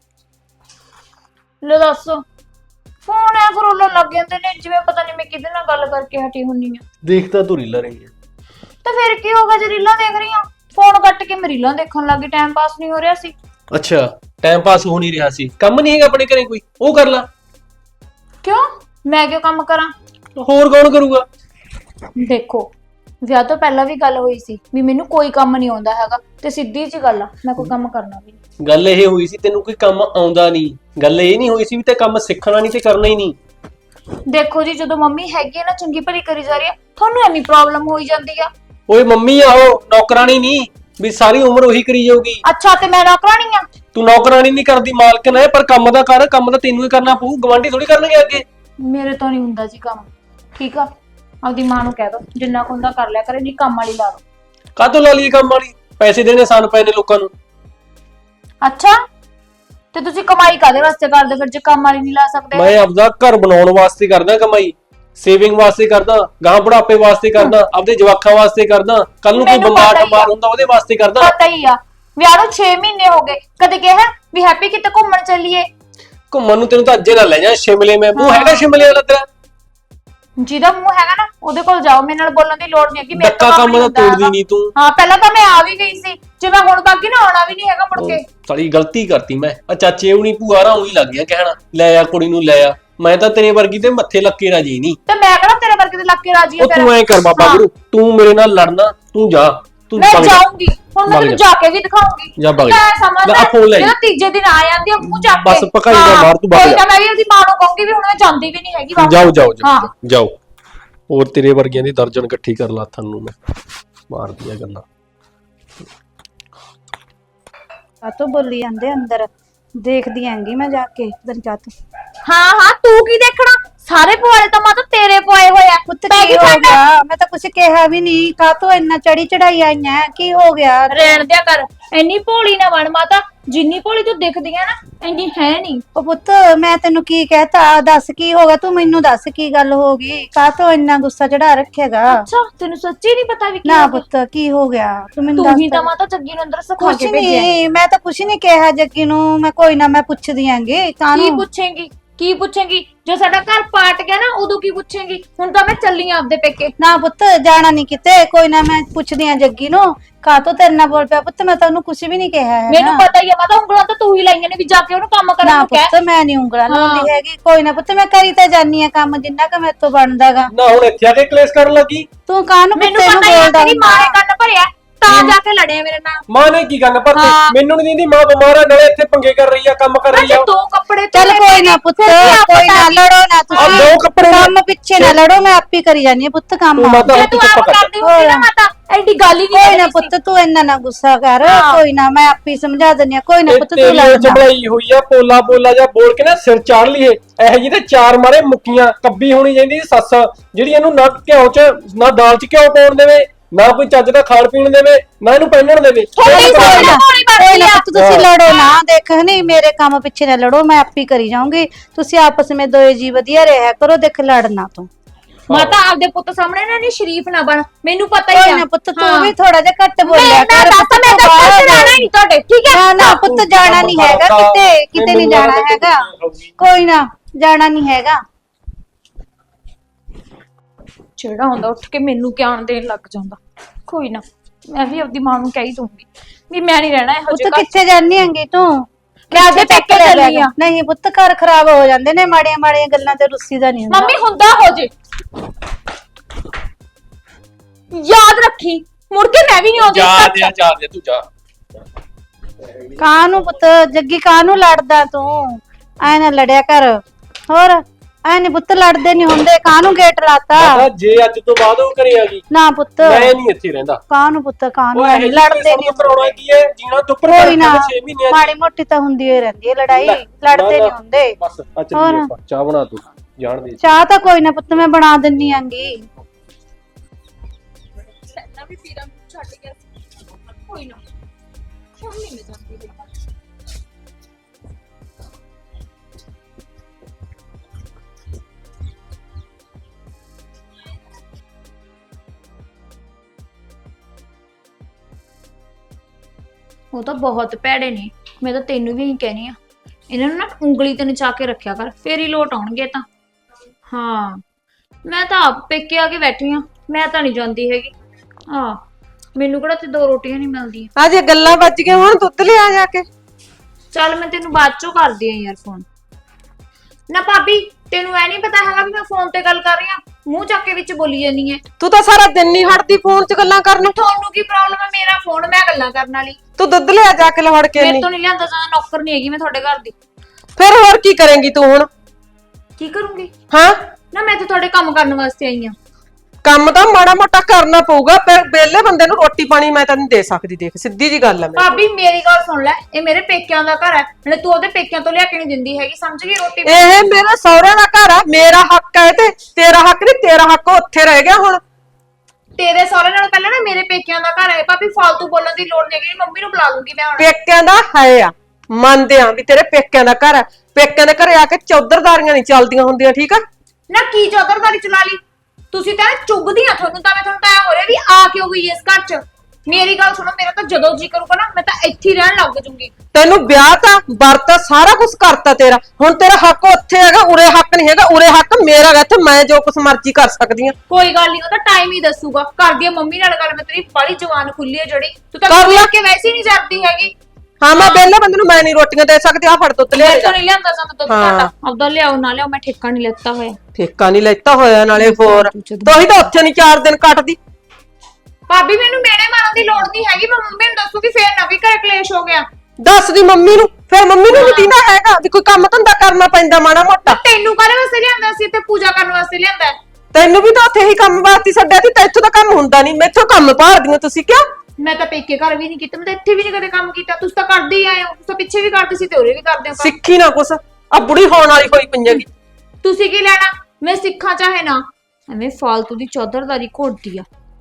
ਲੈ ਦੱਸ, ਫੋਨ ਐ ਫਰੋਲਣ ਲੱਗ ਜਾਂਦੇ ਨੇ ਜਿਵੇਂ ਪਤਾ ਨਹੀਂ ਮੈਂ ਕਿਹਦੇ ਨਾਲ ਗੱਲ ਕਰਕੇ ਹਟੀ ਹੁੰਨੀ ਆ।
ਦੇਖਦਾ ਤੂੰ ਰੀਲਾ ਰਹੀ ਹੈ।
ਤਾਂ ਫਿਰ ਕੀ ਹੋਗਾ ਜੇ ਰੀਲਾਂ ਦੇਖ ਰਹੀ ਆ? ਫੋਨ ਕੱਟ ਕੇ ਮੈਂ ਰੀਲਾਂ ਦੇਖਣ ਲੱਗੀ, ਟਾਈਮ ਪਾਸ ਨਹੀਂ ਹੋ ਰਿਹਾ ਸੀ।
ਅੱਛਾ, ਟਾਈਮ ਪਾਸ ਹੋ ਨਹੀਂ ਰਿਹਾ ਸੀ? ਕੰਮ ਨਹੀਂ ਹੈਗਾ ਆਪਣੇ ਘਰੇ ਕੋਈ? ਉਹ ਕਰ ਲਾ।
ਕਿਉਂ? ਮੈਂ ਕਿਉਂ ਕੰਮ ਕਰਾਂ?
ਹੋਰ ਕੌਣ ਕਰੂਗਾ?
ਦੇਖੋ, ਵਿਆਹ ਤੋਂ ਪਹਿਲਾਂ ਵੀ ਗੱਲ ਹੋਈ ਸੀ ਵੀ ਮੈਨੂੰ ਕੋਈ ਕੰਮ ਨਹੀਂ ਆਉਂਦਾ ਹੈਗਾ, ਤੇ ਸਿੱਧੀ ਜਿਹੀ ਗੱਲ ਆ, ਮੈਂ ਕੋਈ ਕੰਮ ਕਰਨਾ ਵੀ ਨਹੀਂ।
ਗੱਲ ਇਹ ਹੋਈ ਸੀ ਤੈਨੂੰ ਕੋਈ ਕੰਮ ਆਉਂਦਾ ਨਹੀਂ, ਗੱਲ ਇਹ ਨਹੀਂ ਹੋਈ ਸੀ ਵੀ ਤੇ ਕੰਮ ਸਿੱਖਣਾ ਨਹੀਂ ਤੇ ਕਰਨਾ ਹੀ ਨਹੀਂ।
ਦੇਖੋ ਜੀ, ਜਦੋਂ ਮੰਮੀ ਹੈਗੀ ਆ ਨਾ ਚੰਗੀ ਭਲੀ ਕਰੀ ਜਾ ਰਹੀ ਆ, ਤੁਹਾਨੂੰ ਐਵੇਂ ਪ੍ਰੋਬਲਮ ਹੋਈ ਜਾਂਦੀ ਆ।
ਓਏ ਮੰਮੀ ਆ, ਉਹ ਨੌਕਰਾਨੀ ਨਹੀਂ ਵੀ ਸਾਰੀ ਉਮਰ ਉਹੀ ਕਰੀ ਜਾਊਗੀ।
ਅੱਛਾ, ਤੇ ਮੈਂ ਨੌਕਰਾਣੀ ਆ?
ਤੂੰ ਨੌਕਰਾਨੀ ਨਹੀਂ ਕਰਦੀ, ਮਾਲਕਨ ਹੈ, ਪਰ ਕੰਮ ਦਾ ਕਰ, ਕੰਮ ਤਾਂ ਤੈਨੂੰ ਹੀ ਕਰਨਾ ਪਊ, ਗਵਾਂਢੀ ਥੋੜੀ ਕਰਨਗੇ ਅੱਗੇ।
ਮੇਰੇ ਤੋਂ ਨਹੀਂ ਹੁੰਦਾ ਜੀ ਕੰਮ, ਠੀਕ ਆ? ਆਪਦੀ ਮਾਂ ਨੂੰ ਕਹਿ ਦੋ ਜਿੰਨਾ ਕੁ ਹੁੰਦਾ ਕਰ ਲਿਆ ਕਰੇ, ਨਹੀਂ ਕੰਮ ਵਾਲੀ ਲਾ ਲਓ।
ਕਾਹਤੋਂ ਲਾ ਲਈਏ ਕੰਮ ਵਾਲੀ? ਪੈਸੇ ਦੇਣੇ ਆਸਾਨ ਪਏ ਨੇ ਲੋਕਾਂ ਨੂੰ।
ਅੱਛਾ, ਤੇ ਤੁਸੀਂ ਕਮਾਈ ਕਾਦੇ ਵਾਸਤੇ ਕਰਦੇ ਫਿਰ ਜੇ ਕੰਮ ਵਾਲੀ ਨਹੀਂ ਲਾ ਸਕਦੇ?
ਮੈਂ ਆਪਦਾ ਘਰ ਬਣਾਉਣ ਵਾਸਤੇ ਕਰਦਾ ਕਮਾਈ, ਸੇਵਿੰਗ ਵਾਸਤੇ ਕਰਦਾ, ਗਾਂ ਬੁਢਾਪੇ ਵਾਸਤੇ ਕਰਦਾ, ਆਪਦੇ ਜਵਾਕਾਂ ਵਾਸਤੇ ਕਰਦਾ, ਕੱਲ ਨੂੰ ਕੋਈ
ਮੈਨੂੰ
ਬਿਮਾਰ
ਪਤਾ ਹੀ
ਠਮਾਰ ਹੁੰਦਾ ਉਹਦੇ ਵਾਸਤੇ ਕਰਦਾ।
ਪਤਾ ਹੀ ਆ, ਵਿਆਹ ਨੂੰ 6 ਮਹੀਨੇ ਹੋ ਗਏ, ਕਦੇ ਕਿਹਾ ਵੀ ਹੈਪੀ ਕਿਤੇ ਘੁੰਮਣ ਚੱਲੀਏ?
ਘੁੰਮਣ ਨੂੰ ਤੈਨੂੰ ਤਾਂ ਅੱਜੇ ਨਾ ਲੈ ਜਾ ਸ਼ਿਮਲੇ। ਮੈਂ ਮੂੰਹ ਹੈਗਾ ਸ਼ਿਮਲੇ ਵਾਲਾ ਤੇਰਾ?
ਜਿਹਦਾ ਮੂੰਹ ਹੈਗਾ ਨਾ ਉਹਦੇ ਕੋਲ ਜਾਓ, ਮੇਰੇ ਨਾਲ ਬੋਲਣ ਦੀ ਲੋੜ ਨਹੀਂ ਹੈਗੀ। ਮੇਰੇ
ਡੱਕਾ
ਤੋਂ
ਕੰਮ
ਨਹੀਂ
ਦਾ
ਹੁੰਦਾ
ਤੋੜਦੀ
ਹੈਗਾ।
ਨਹੀਂ ਤੂੰ।
ਹਾਂ, ਪਹਿਲਾਂ ਤਾਂ ਮੈਂ ਆ ਵੀ ਗਈ ਸੀ, ਜੇ ਮੈਂ ਹੁਣ ਬਾਕੀ ਨਾ ਆਉਣਾ ਵੀ ਨਹੀਂ ਹੈਗਾ ਮੁੜ ਕੇ।
ਸਾਲੀ ਗਲਤੀ ਕਰਤੀ ਮੈਂ। ਆ ਚਾਚੇ ਹੁਣੀ ਭੂਆ ਰਾਂ ਉਹੀ ਲੱਗ ਗਿਆ ਕਹਿਣਾ ਲੈ ਆ ਕੁੜੀ ਨੂੰ ਲੈ ਆ। ਮੈਂ ਤਾਂ ਤੇਰੇ ਵਰਗੀ ਤੇ ਮੱਥੇ ਲੱਕੇ ਰਾਜੀ ਨਹੀਂ।
ਤੇ ਮੈਂ ਕਿਹੜਾ ਤੇਰੇ ਵਰਗੇ ਦੇ ਲੱਗ ਕੇ ਰਾਜੀ ਆ
ਉਹ ਤੂੰ ਐ ਕਰ ਬਾਬਾ ਗੁਰੂ, ਤੂੰ ਮੇਰੇ ਨਾਲ ਲੜਨਾ, ਤੂੰ ਜਾ, ਤੂੰ
ਮੈਂ
ਭੱਗ ਜਾ।
ਜਾਊਂਗੀ ਹੁਣ, ਮੈਂ ਤੈਨੂੰ ਜਾ ਕੇ ਵੀ ਦਿਖਾਉਂਗੀ।
ਜਾ ਭੱਗ ਜਾ।
ਮੈਂ ਸਮਝਦਾ
ਲੈ ਆ ਫੋਨ ਲੈ
ਜਦੋਂ ਤੀਜੇ ਦਿਨ ਆ ਜਾਂਦੀ ਆ ਮੂੰਹ ਚੱਕ ਕੇ।
ਬਸ ਭਕਾਈ ਜਾ ਬਾਹਰ, ਤੂੰ ਭੱਗ
ਕੋਈ
ਜਾ।
ਨਾ, ਮੈਂ ਵੀ ਉਹਦੀ ਮਾਂ ਨੂੰ ਕਹੂੰਗੀ ਵੀ ਹੁਣ ਮੈਂ ਜਾਂਦੀ ਵੀ ਨਹੀਂ ਹੈਗੀ ਵਾਪਸ।
ਜਾਓ ਜਾਓ
ਹਾਂ।
ਜਾਓ। ਹੋਰ ਤੇਰੇ ਵਰਗੀਆਂ ਦੀ ਦਰਜਨ ਇਕੱਠੀ ਕਰ ਲਾ ਤੁਹਾਨੂੰ ਮੈਂ, ਮਾਰ ਦੀਆਂ ਗੱਲਾਂ।
ਕਾਤੋਂ ਬੋਲੀ ਜਾਂਦੇ ਅੰਦਰ, ਦੇਖਦੀ ਆਂਗੀ ਮੈਂ ਜਾ ਕੇ ਦਿਨ ਚਾਤ।
ਹਾਂ ਹਾਂ, ਤੂੰ ਕੀ ਦੇਖਣਾ? ਸਾਰੇ ਪੁਆਲੇ ਤਾਂ ਮਾਤਾ ਤੇਰੇ ਪੁਆਏ ਹੋਏ ਆ।
ਪੁੱਤ ਕੀ ਹੋ ਗਿਆ? ਮੈਂ ਤਾਂ ਕੁਛ ਕਿਹਾ ਵੀ ਨਹੀਂ, ਕਾਤੋਂ ਇੰਨਾ ਚੜੀ ਚੜਾਈ ਆਈਆਂ, ਕੀ ਹੋ ਗਿਆ?
ਰਹਿਣ ਦਿਆ ਕਰ, ਇੰਨੀ ਭੋਲੀ ਨਾ ਬਣ ਮਾਤਾ, ਜਿੰਨੀ ਭੋਲੀ ਤੂੰ ਦਿਖਦੀ ਆ ਨਾ ਇੰਨੀ ਹੈ ਨਹੀਂ।
ਉਹ ਪੁੱਤ ਮੈਂ ਤੈਨੂੰ ਕੀ ਕਹਿਤਾ, ਦੱਸ ਕੀ ਹੋ ਗਿਆ? ਤੂੰ ਮੈਨੂੰ ਦੱਸ ਕੀ ਗੱਲ ਹੋ ਗਈ, ਕਾਤੋਂ ਇੰਨਾ ਗੁੱਸਾ ਚੜਾ ਰੱਖੇਗਾ?
ਅੱਛਾ, ਤੈਨੂੰ ਸੱਚੀ ਨਹੀਂ ਪਤਾ ਵੀ ਕੀ
ਨਾ
ਹੋ ਗਿਆ?
ਪੁੱਤ ਕੀ ਹੋ ਗਿਆ, ਤੂੰ ਮੈਨੂੰ
ਤੂੰ ਹੀ
ਦੱਸ।
ਤਾਂ ਮਾਤਾ ਜੱਗੀ ਨੂੰ ਅੰਦਰ ਸਿਖਾ
ਕੁਛ
ਕੇ ਭੇਜਿਆ।
ਨਹੀਂ, ਮੈਂ ਤਾਂ ਕੁਛ ਨਹੀਂ ਕਿਹਾ ਜੱਗੀ ਨੂੰ, ਮੈਂ ਕੋਈ ਨਾ ਮੈਂ ਪੁੱਛਦੀ ਆਂਗੀ
ਕੀ
ਕਾਹਨੂੰ।
ਪੁੱਛੇਂਗੀ? ਕੀ ਪੁੱਛੇਂਗੀ? ਜੋ ਸਾਡਾ ਘਰ ਪਾਟ ਗਿਆ ਨਾ ਉਦੋਂ ਕੀ ਪੁੱਛੇਂਗੀ? ਹੁਣ ਤਾਂ ਮੈਂ ਚੱਲੀ ਆਂ ਆਪਦੇ ਪੇਕੇ।
ਨਾ ਪੁੱਤ ਜਾਣਾ ਨਹੀਂ ਕਿਤੇ, ਕੋਈ ਨਾ ਮੈਂ ਪੁੱਛਦੀ ਆਂ ਜੱਗੀ ਨੂੰ, ਕਾਤੋਂ ਤੇਰੇ ਨਾਲ ਬੋਲ ਪਿਆ ਪੁੱਤ, ਮੈਂ ਤਾਂ ਉਹਨੂੰ ਕੁਛ ਵੀ ਨਹੀਂ ਕਿਹਾ ਹੈ।
ਮੈਨੂੰ ਪਤਾ ਹੀ ਆ ਮਾਤਾ, ਉਂਗਲਾਂ ਤਾਂ ਤੂੰ ਹੀ ਲਾਈਆਂ ਨੇ ਵੀ ਜਾ ਕੇ ਉਹਨੂੰ ਕੰਮ ਕਰਨ
ਨਾ
ਨੂੰ ਕਹਿ।
ਪੁੱਤ ਮੈਂ ਨਹੀਂ ਉਂਗਲਾਂ ਲਾਉਂਦੀ ਹੈਗੀ, ਕੋਈ ਨਾ ਪੁੱਤ ਮੈਂ ਕਰੀ ਤਾਂ ਜਾਨੀ ਆ ਕੰਮ ਜਿੰਨਾ ਕ ਮੇਰੇ ਤੋਂ ਬਣਦਾਗਾ।
ਨਾ ਹੁਣ ਇੱਥੇ ਆ ਕੇ ਕਲੇਸ਼ ਕਰਨ ਲੱਗੀ।
ਤੂੰ ਕਾਹਨੂੰ
ਮੈਨੂੰ
ਪੁੱਤੇ ਨੂੰ
ਪਤਾ ਹੀ ਆ
ਬੋਲਦਾ
ਤੇਰੀ ਮਾਂ ਨੇ ਕੰਨ ਭਰਿਆ ਤਾਂ ਜਾ ਕੇ ਲੜਿਆ ਮੇਰੇ ਨਾਲ।
ਮਾਂ ਨੇ ਕੀ ਕਰਨਾ? ਪਰ
ਹਾਂ।
ਮੈਨੂੰ ਨਹੀਂ ਦਿੰਦੀ, ਮਾਂ ਬਿਮਾਰ ਆ, ਨਾਲੇ ਇੱਥੇ ਪੰਗੇ ਕਰ ਰਹੀ ਆ, ਕੰਮ ਕਰ ਰਹੀ
ਅੱਛਾ,
ਆ।
ਦੋ ਕੱਪੜੇ
ਚੱਲ ਕੋਈ ਨਾ ਪੁੱਤ, ਕੋਈ ਨਾ ਲੜੋ ਨਾ
ਆ
ਤੁਸੀਂ,
ਦੋ ਕੱਪੜੇ ਨੇ।
ਕੰਮ ਪਿੱਛੇ ਨਾ ਲੜੋ, ਮੈਂ ਆਪੇ ਕਰੀ ਜਾਨੀ ਆ ਪੁੱਤ ਕੰਮ।
ਤੂੰ ਮਾਤਾ
ਜੇ
ਹੁਣ
ਤੂੰ
ਚੁੱਪ
ਆਪ
ਕਰ।
ਕਰਦੀ ਹੁੰਦੀ ਨਾ ਮਾਤਾ ਐਡੀ ਗੱਲ ਹੀ ਨਹੀਂ
ਕੋਈ ਨਾ ਪੁੱਤ ਤੂੰ ਇੰਨਾ ਨਾ ਗੁੱਸਾ ਕਰ,
ਹਾਂ।
ਕੋਈ ਨਾ ਮੈਂ ਆਪੇ ਸਮਝਾ ਦਿੰਨੀ ਆ, ਕੋਈ ਨਾ
ਇਹ
ਪੁੱਤ ਤੂੰ
ਤੇਰੀ
ਲੜ ਨਾ।
ਚਬੜਾਈ ਹੋਈ ਆ, ਪੋਲਾ ਪੋਲਾ ਜਾਂ ਬੋਲ ਕੇ ਨਾ ਸਿਰ ਚਾੜ ਲਈਏ। ਇਹੋ ਜਿਹੀ ਤੇ ਚਾਰ ਮਾਰੇ ਮੁੱਕੀਆਂ ਕੱਬੀ ਹੋਣੀ ਚਾਹੀਦੀ ਸੱਸ, ਜਿਹੜੀ ਇਹਨੂੰ ਨਾ ਘਿਓ ਚ ਨਾ ਦਾਲ ਚ ਘਿਓ ਪਾਉਣ ਦੇਵੇ, ਨਾ ਕੋਈ ਚੱਜ ਦਾ ਖਾਣ ਪੀਣ ਦੇਵੇ, ਨਾ ਇਹਨੂੰ ਪਹਿਨਣ ਦੇਵੇ।
ਥੋੜੀ
ਕੋਈ
ਸੋਚ
ਨਾ,
ਥੋੜੀ
ਕੋਈ
ਬਣਦੀ
ਨਾ
ਆ।
ਪੁੱਤ ਤੁਸੀਂ ਲੜੋ ਨਾ, ਦੇਖ ਨਹੀਂ ਮੇਰੇ ਕੰਮ ਪਿੱਛੇ ਨਾ ਲੜੋ, ਮੈਂ ਆਪੇ ਕਰੀ ਜਾਊਂਗੀ, ਤੁਸੀਂ ਆਪਸ ਵਿੱਚ ਦੋਏ ਜੀ ਵਧੀਆ ਰਿਹਾ ਕਰੋ, ਦੇਖ ਲੜਨਾ ਤੂੰ।
ਮਾਤਾ ਆਪਦੇ ਪੁੱਤ ਸਾਹਮਣੇ ਨਾ ਨਹੀਂ ਸ਼ਰੀਫ ਨਾ ਬਣ, ਮੈਨੂੰ ਪਤਾ ਹੀ
ਕੋਈ
ਆ।
ਨਾ ਪੁੱਤ ਤੂੰ
ਹਾਂ।
ਵੀ ਥੋੜਾ ਜਿਹਾ ਘੱਟ
ਮੈਂ
ਬੋਲਿਆ ਕਰ।
ਦੱਸ, ਮੈਂ ਤਾਂ
ਬਾਹਰ
ਰਹਿਣਾ ਹੀ ਨਹੀਂ ਤੁਹਾਡੇ, ਠੀਕ ਹੈ?
ਨਾ ਨਾ ਪੁੱਤ ਜਾਣਾ ਨਹੀਂ ਹੈਗਾ ਕਿਤੇ, ਕਿਤੇ ਨਹੀਂ ਜਾਣਾ ਹੈਗਾ, ਕੋਈ ਨਾ ਜਾਣਾ ਨਹੀਂ ਹੈਗਾ।
ਜਿਹੜਾ ਹੁੰਦਾ ਉੱਠ ਕੇ ਮੈਨੂੰ ਗਿਆਨ ਦੇਣ ਲੱਗ ਜਾਂਦਾ। ਕੋਈ ਨਾ, ਮੈਂ ਵੀ ਆਪਦੀ ਮਾਂ ਨੂੰ ਕਹਿ ਹੀ ਦੂੰਗੀ ਵੀ ਮੈਂ ਨਹੀਂ ਰਹਿਣਾ ਇਹੋ
ਪੁੱਤ
ਜਿਹੇ ਘਰ 'ਚ।
ਕਿੱਥੇ ਜਾਨੀ ਆਂਗੀ ਤੂੰ?
ਮੈਂ ਆਪਦੇ ਪੇਕੇ ਚੱਲੀ ਆ।
ਨਹੀਂ ਪੁੱਤ ਘਰ ਖਰਾਬ ਹੋ ਜਾਂਦੇ ਨੇ, ਮਾੜੀਆਂ ਮਾੜੀਆਂ ਗੱਲਾਂ ਤੇ ਰੁੱਸੀ ਦਾ ਨਹੀਂ ਹੁੰਦਾ।
ਮੰਮੀ ਹੁੰਦਾ ਹੋ ਜੇ, ਯਾਦ ਰੱਖੀ ਮੁੜ ਕੇ ਮੈਂ ਵੀ ਨਹੀਂ ਆਉਂਦੀ ਇਸ ਘਰ 'ਚ।
ਜਾ ਦੇ ਤੂੰ ਜਾ।
ਕਾਹਨੂੰ ਪੁੱਤ ਜੱਗੀ ਕਾਹਨੂੰ ਲੜਦਾ ਤੂੰ? ਐ ਨਾ ਲੜਿਆ ਕਰ। ਹੋਰ ਐ ਨੀ ਪੁੱਤ ਲੜਦੇ ਨਹੀਂ ਹੁੰਦੇ, ਕਾਹਨੂੰ ਗੇਟ ਲਾਤਾ?
ਪਤਾ ਜੇ ਅੱਜ ਤੋਂ ਬਾਅਦ ਉਹ ਘਰੇ ਆ ਗਈ
ਨਾ ਪੁੱਤ
ਮੈਂ ਨਹੀਂ ਇੱਥੇ ਰਹਿੰਦਾ।
ਕਾਹਨੂੰ ਪੁੱਤ ਕਾਹਨੂੰ
ਉਹ
ਐਵੇਂ ਲੜਦੇ ਨਹੀਂ
ਕਰਾਉਣਾ ਕੀ ਹੈ ਜੀਣਾ ਦੁੱਪਰ
ਕੋਈ ਨਾ
6 ਮਹੀਨੇ
ਮਾੜੀ ਮੋਟੀ ਤਾਂ ਹੁੰਦੀ ਹੋਈ ਰਹਿੰਦੀ ਹੈ ਲੜਾਈ, ਲੜਦੇ ਨਹੀਂ ਹੁੰਦੇ।
ਬਸ ਆ ਚੱਲੀਏ ਆਪਾਂ ਚਾਹ ਬਣਾ ਤੂੰ ਜਾਣ ਦੇ।
ਚਾਹ ਤਾਂ ਕੋਈ ਨਾ ਪੁੱਤ ਮੈਂ ਬਣਾ ਦਿੰਨੀ ਆਂਗੀ।
ਪਹਿਲਾਂ ਵੀ ਪੀਰਾਂ ਨੂੰ ਛੱਡ ਗਿਆ ਸੀ, ਕੋਈ ਨਾ ਹੁਣ ਨਹੀਂ ਮੈਂ ਜਾਂਦੀ ਹੈਗੀ। ਉਹ ਤਾਂ ਬਹੁਤ ਭੈੜੇ ਨੇ, ਮੈਂ ਤਾਂ ਤੈਨੂੰ ਵੀ ਹੀ ਕਹਿਣੀ ਆ, ਇਹਨਾਂ ਨੂੰ ਨਾ ਉਂਗਲੀ ਤੇ ਨਚਾ ਕੇ ਰੱਖਿਆ ਕਰ, ਫੇਰ ਹੀ ਲੋਟ ਆਉਣਗੇ ਤਾਂ। ਹਾਂ ਮੈਂ ਤਾਂ ਆਪ ਪੇਕੇ ਆ ਕੇ ਬੈਠੀ ਆ, ਮੈਂ ਤਾਂ ਨਹੀਂ ਜਾਂਦੀ ਹੈਗੀ। ਹਾਂ ਮੈਨੂੰ ਕਿਹੜਾ ਤੇ 2 ਰੋਟੀਆਂ ਨਹੀਂ ਮਿਲਦੀਆਂ।
ਆ ਜੇ ਗੱਲਾਂ ਵੱਜ ਗਈਆਂ ਹੁਣ ਦੁੱਧ ਲਿਆ ਜਾ ਕੇ।
ਚੱਲ ਮੈਂ ਤੈਨੂੰ ਬਾਅਦ ਚੋਂ ਕਰਦੀ ਆ ਯਾਰ ਫੋਨ। ਨਾ ਭਾਬੀ ਤੈਨੂੰ ਐ ਨਹੀਂ ਪਤਾ ਹੈਗਾ ਵੀ ਮੈਂ ਫੋਨ ਤੇ ਗੱਲ ਕਰ ਰਹੀ ਆ, ਮੂੰਹ ਚੱਕ ਕੇ ਵਿੱਚ ਬੋਲੀ ਜਾਂਦੀ ਐ।
ਤੂੰ ਤਾਂ ਸਾਰਾ ਦਿਨ ਨਹੀਂ ਹਟਦੀ ਫੋਨ 'ਚ ਗੱਲਾਂ ਕਰਨ।
ਤੁਹਾਨੂੰ ਕੀ ਪ੍ਰੋਬਲਮ ਹੈ? ਮੇਰਾ ਫੋਨ, ਮੈਂ ਗੱਲਾਂ ਕਰਨ ਵਾਲੀ।
ਤੂੰ ਦੁੱਧ ਲਿਆ ਜਾ ਕੇ ਲਵੜ ਕੇ
ਮੇਰੇ
ਨਹੀਂ।
ਤੋਂ ਨਹੀਂ ਲਿਆਂਦਾ ਜਾਂਦਾ, ਨੌਕਰ ਨਹੀਂ ਹੈਗੀ ਮੈਂ ਤੁਹਾਡੇ ਘਰ ਦੀ।
ਫਿਰ ਹੋਰ ਕੀ ਕਰੇਂਗੀ ਤੂੰ ਹੁਣ?
ਕੀ ਕਰੂੰਗੀ?
ਹਾਂ
ਨਾ ਮੈਂ ਤਾਂ ਤੁਹਾਡੇ ਕੰਮ ਕਰਨ ਵਾਸਤੇ ਆਈ ਆ।
ਕੰਮ ਤਾਂ ਮਾੜਾ ਮੋਟਾ ਕਰਨਾ ਪਊਗਾ, ਫਿਰ ਵਿਹਲੇ ਬੰਦੇ ਨੂੰ ਰੋਟੀ ਪਾਣੀ ਮੈਂ ਤਾਂ ਨਹੀਂ ਦੇ ਸਕਦੀ। ਦੇਖ ਸਿੱਧੀ ਜੀ ਗੱਲ ਆ ਮੇਰੀ।
ਭਾਬੀ ਮੇਰੀ ਗੱਲ ਸੁਣ ਲੈ, ਇਹ ਮੇਰੇ ਪੇਕਿਆਂ ਦਾ ਘਰ ਹੈ, ਨਾਲੇ ਤੂੰ ਉਹਦੇ ਪੇਕਿਆਂ ਤੋਂ ਲਿਆ ਕੇ ਨਹੀਂ ਦਿੰਦੀ ਹੈਗੀ, ਸਮਝ ਗਈ? ਰੋਟੀ
ਇਹ ਮੇਰੇ ਸਹੁਰੇ ਦਾ ਘਰ ਆ, ਮੇਰਾ ਹੱਕ ਹੈ ਤੇ ਤੇਰਾ ਹੱਕ ਨਹੀਂ। ਤੇਰਾ ਹੱਕ ਉੱਥੇ ਰਹਿ ਗਿਆ ਹੁਣ।
ਤੇਰੇ ਸਹੁਰੇ ਨਾਲੋਂ ਪਹਿਲਾਂ ਨਾ ਮੇਰੇ ਪੇਕਿਆਂ ਦਾ ਘਰ ਹੈ। ਭਾਬੀ ਫालतू ਬੋਲਣ ਦੀ ਲੋੜ ਨਹੀਂ ਹੈਗੀ, ਮੰਮੀ ਨੂੰ ਬੁਲਾ ਲੂੰਗੀ ਮੈਂ ਹੁਣ।
ਪੇਕਿਆਂ ਦਾ ਹੈ ਆ, ਮੰਨਦੇ ਆ ਵੀ ਤੇਰੇ ਪੇਕਿਆਂ ਦਾ ਘਰ ਆ। ਪੇਕਿਆਂ ਦੇ ਘਰੇ ਆ ਕੇ ਚੌਧਰਦਾਰੀਆਂ ਨਹੀਂ ਚੱਲਦੀਆਂ ਹੁੰਦੀਆਂ, ਠੀਕ ਆ
ਨਾ? ਕੀ ਚੌਧਰਦਾਰੀ ਚਲਾ ਲਈ ਤੁਸੀਂ? ਤਾਂ ਚੁੱਭਦੀਆਂ ਤੁਹਾਨੂੰ ਤਾਂ, ਮੈਂ ਤੁਹਾਨੂੰ ਤਾਂ ਐ ਹੋ ਰਿਹਾ ਵੀ ਆ ਕਿਉਂ ਗਈ ਇਸ ਘਰ 'ਚ। ਮੇਰੀ ਗੱਲ ਸੁਣੋ, ਮੇਰਾ ਤਾਂ ਜਦੋਂ ਜੀ ਕਰੂਗਾ ਨਾ ਮੈਂ ਤਾਂ ਇੱਥੇ ਹੀ ਰਹਿਣ ਲੱਗ ਜੂੰਗੀ।
ਤੈਨੂੰ ਵਿਆਹ ਤਾਂ ਵਰਤਾ ਸਾਰਾ ਕੁਝ ਕਰਤਾ ਤੇਰਾ, ਹੁਣ ਤੇਰਾ ਹੱਕ ਉੱਥੇ ਹੈਗਾ, ਉਰੇ ਹੱਕ ਨਹੀਂ ਹੈਗਾ। ਉਰੇ ਹੱਕ ਮੇਰਾ ਹੈਗਾ, ਇੱਥੇ ਮੈਂ ਜੋ ਕੁਝ ਮਰਜ਼ੀ ਕਰ ਸਕਦੀ ਆ।
ਕੋਈ ਗੱਲ ਨਹੀਂ, ਉਹ ਤਾਂ ਟਾਈਮ ਹੀ ਦੱਸੂਗਾ। ਕਰਦੀ ਆ ਮੰਮੀ ਨਾਲ ਗੱਲ, ਮੈਂ ਤੇਰੀ ਬੜੀ ਜਵਾਨ ਖੁੱਲੀ ਹੈ ਜਿਹੜੀ। ਤੂੰ ਤਾਂ
ਕਰ ਲੈ।
ਕੇ ਵੈਸੇ ਹੀ ਨਹੀਂ ਜਾਂਦੀ ਹੈਗੀ।
ਹਾਂ ਮੈਂ ਵਿਹਲੇ ਬੰਦੇ ਨੂੰ ਮੈਂ ਨਹੀਂ ਰੋਟੀਆਂ ਦੇ ਸਕਦੀ। ਆ ਫੜ ਦੁੱਧ ਲਿਆ
ਮੇਰੇ
ਜਾ।
ਤੋਂ ਨਹੀਂ ਲਿਆਂਦਾ ਜਾਂਦਾ ਦੁੱਧ
ਹਾਂ।
ਘਾਟਾ, ਆਪਦਾ ਲਿਆਓ ਨਾ ਲਿਆਓ, ਮੈਂ ਠੇਕਾ ਨਹੀਂ ਲੈਤਾ ਹੋਇਆ।
ਠੇਕਾ ਨਹੀਂ ਲੈਤਾ ਹੋਇਆ, ਨਾਲੇ ਹੋਰ ਤੂੰ ਤਾਂ ਉੱਥੇ ਨਹੀਂ 4 ਦਿਨ ਕੱਟਦੀ।
ਭਾਬੀ ਮੈਨੂੰ ਮੇੜੇ ਮਾਰਨ ਦੀ ਲੋੜ ਨਹੀਂ ਹੈਗੀ, ਮੈਂ ਮੰਮੀ ਨੂੰ ਦੱਸੂਗੀ, ਫੇਰ ਨਾ ਵੀ ਘਰੇ ਕਲੇਸ਼ ਹੋ ਗਿਆ।
ਦੱਸਦੀ ਮੰਮੀ ਨੂੰ, ਫਿਰ ਮੰਮੀ ਨੂੰ ਵੀ ਦੀਦਾ ਹੈਗਾ ਵੀ ਕੋਈ ਕੰਮ ਧੰਦਾ ਕਰਨਾ ਪੈਂਦਾ ਮਾੜਾ ਮੋਟਾ।
ਤੈਨੂੰ ਕਾਹਦੇ ਵਾਸਤੇ ਲਿਆਂਦਾ ਸੀ? ਤੇ ਪੂਜਾ ਕਰਨ ਵਾਸਤੇ ਲਿਆਂਦਾ।
ਤੈਨੂੰ ਵੀ ਤਾਂ ਉੱਥੇ ਹੀ ਕੰਮ ਵਾਸਤੇ ਛੱਡਿਆ ਸੀ, ਤੇ ਇੱਥੋਂ ਤਾਂ ਕੰਮ ਹੁੰਦਾ ਨਹੀਂ। ਮੈਥੋਂ ਕੰਮ ਭਾਲਦੀਆਂ ਤੁਸੀਂ ਕਿਉਂ?
ਮੈਂ ਤਾਂ ਪੇਕੇ ਘਰ ਵੀ ਨਹੀਂ ਕੀਤਾ, ਮੈਂ ਤਾਂ ਇੱਥੇ ਵੀ ਨਹੀਂ ਕਦੇ ਕੰਮ ਕੀਤਾ। ਤੁਸੀਂ ਤਾਂ ਕਰਦੇ ਹੀ ਆਏ ਹੋ, ਤੁਸੀਂ ਤਾਂ ਪਿੱਛੇ ਵੀ ਕਰਦੇ ਸੀ ਤੇ ਉਰੇ ਵੀ ਕਰਦੇ ਹੋ ਕੰਮ।
ਸਿੱਖੀ ਨਾ ਕੁਛ, ਆ ਬੁੜੀ ਹੋਣ ਵਾਲੀ ਹੋਈ ਪਈਆਂਗੀ।
ਤੁਸੀਂ ਕੀ ਲੈਣਾ? ਮੈਂ ਸਿੱਖਾਂ ਚਾਹੇ ਨਾ, ਐਵੇਂ ਫਾਲਤੂ ਦੀ ਚੌਧਰਦਾਰੀ ਘੋਟਦੀ ਆ।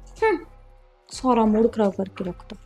ਸਾਰਾ ਮੂਡ ਖਰਾਬ ਕਰਕੇ ਰੱਖਤਾ।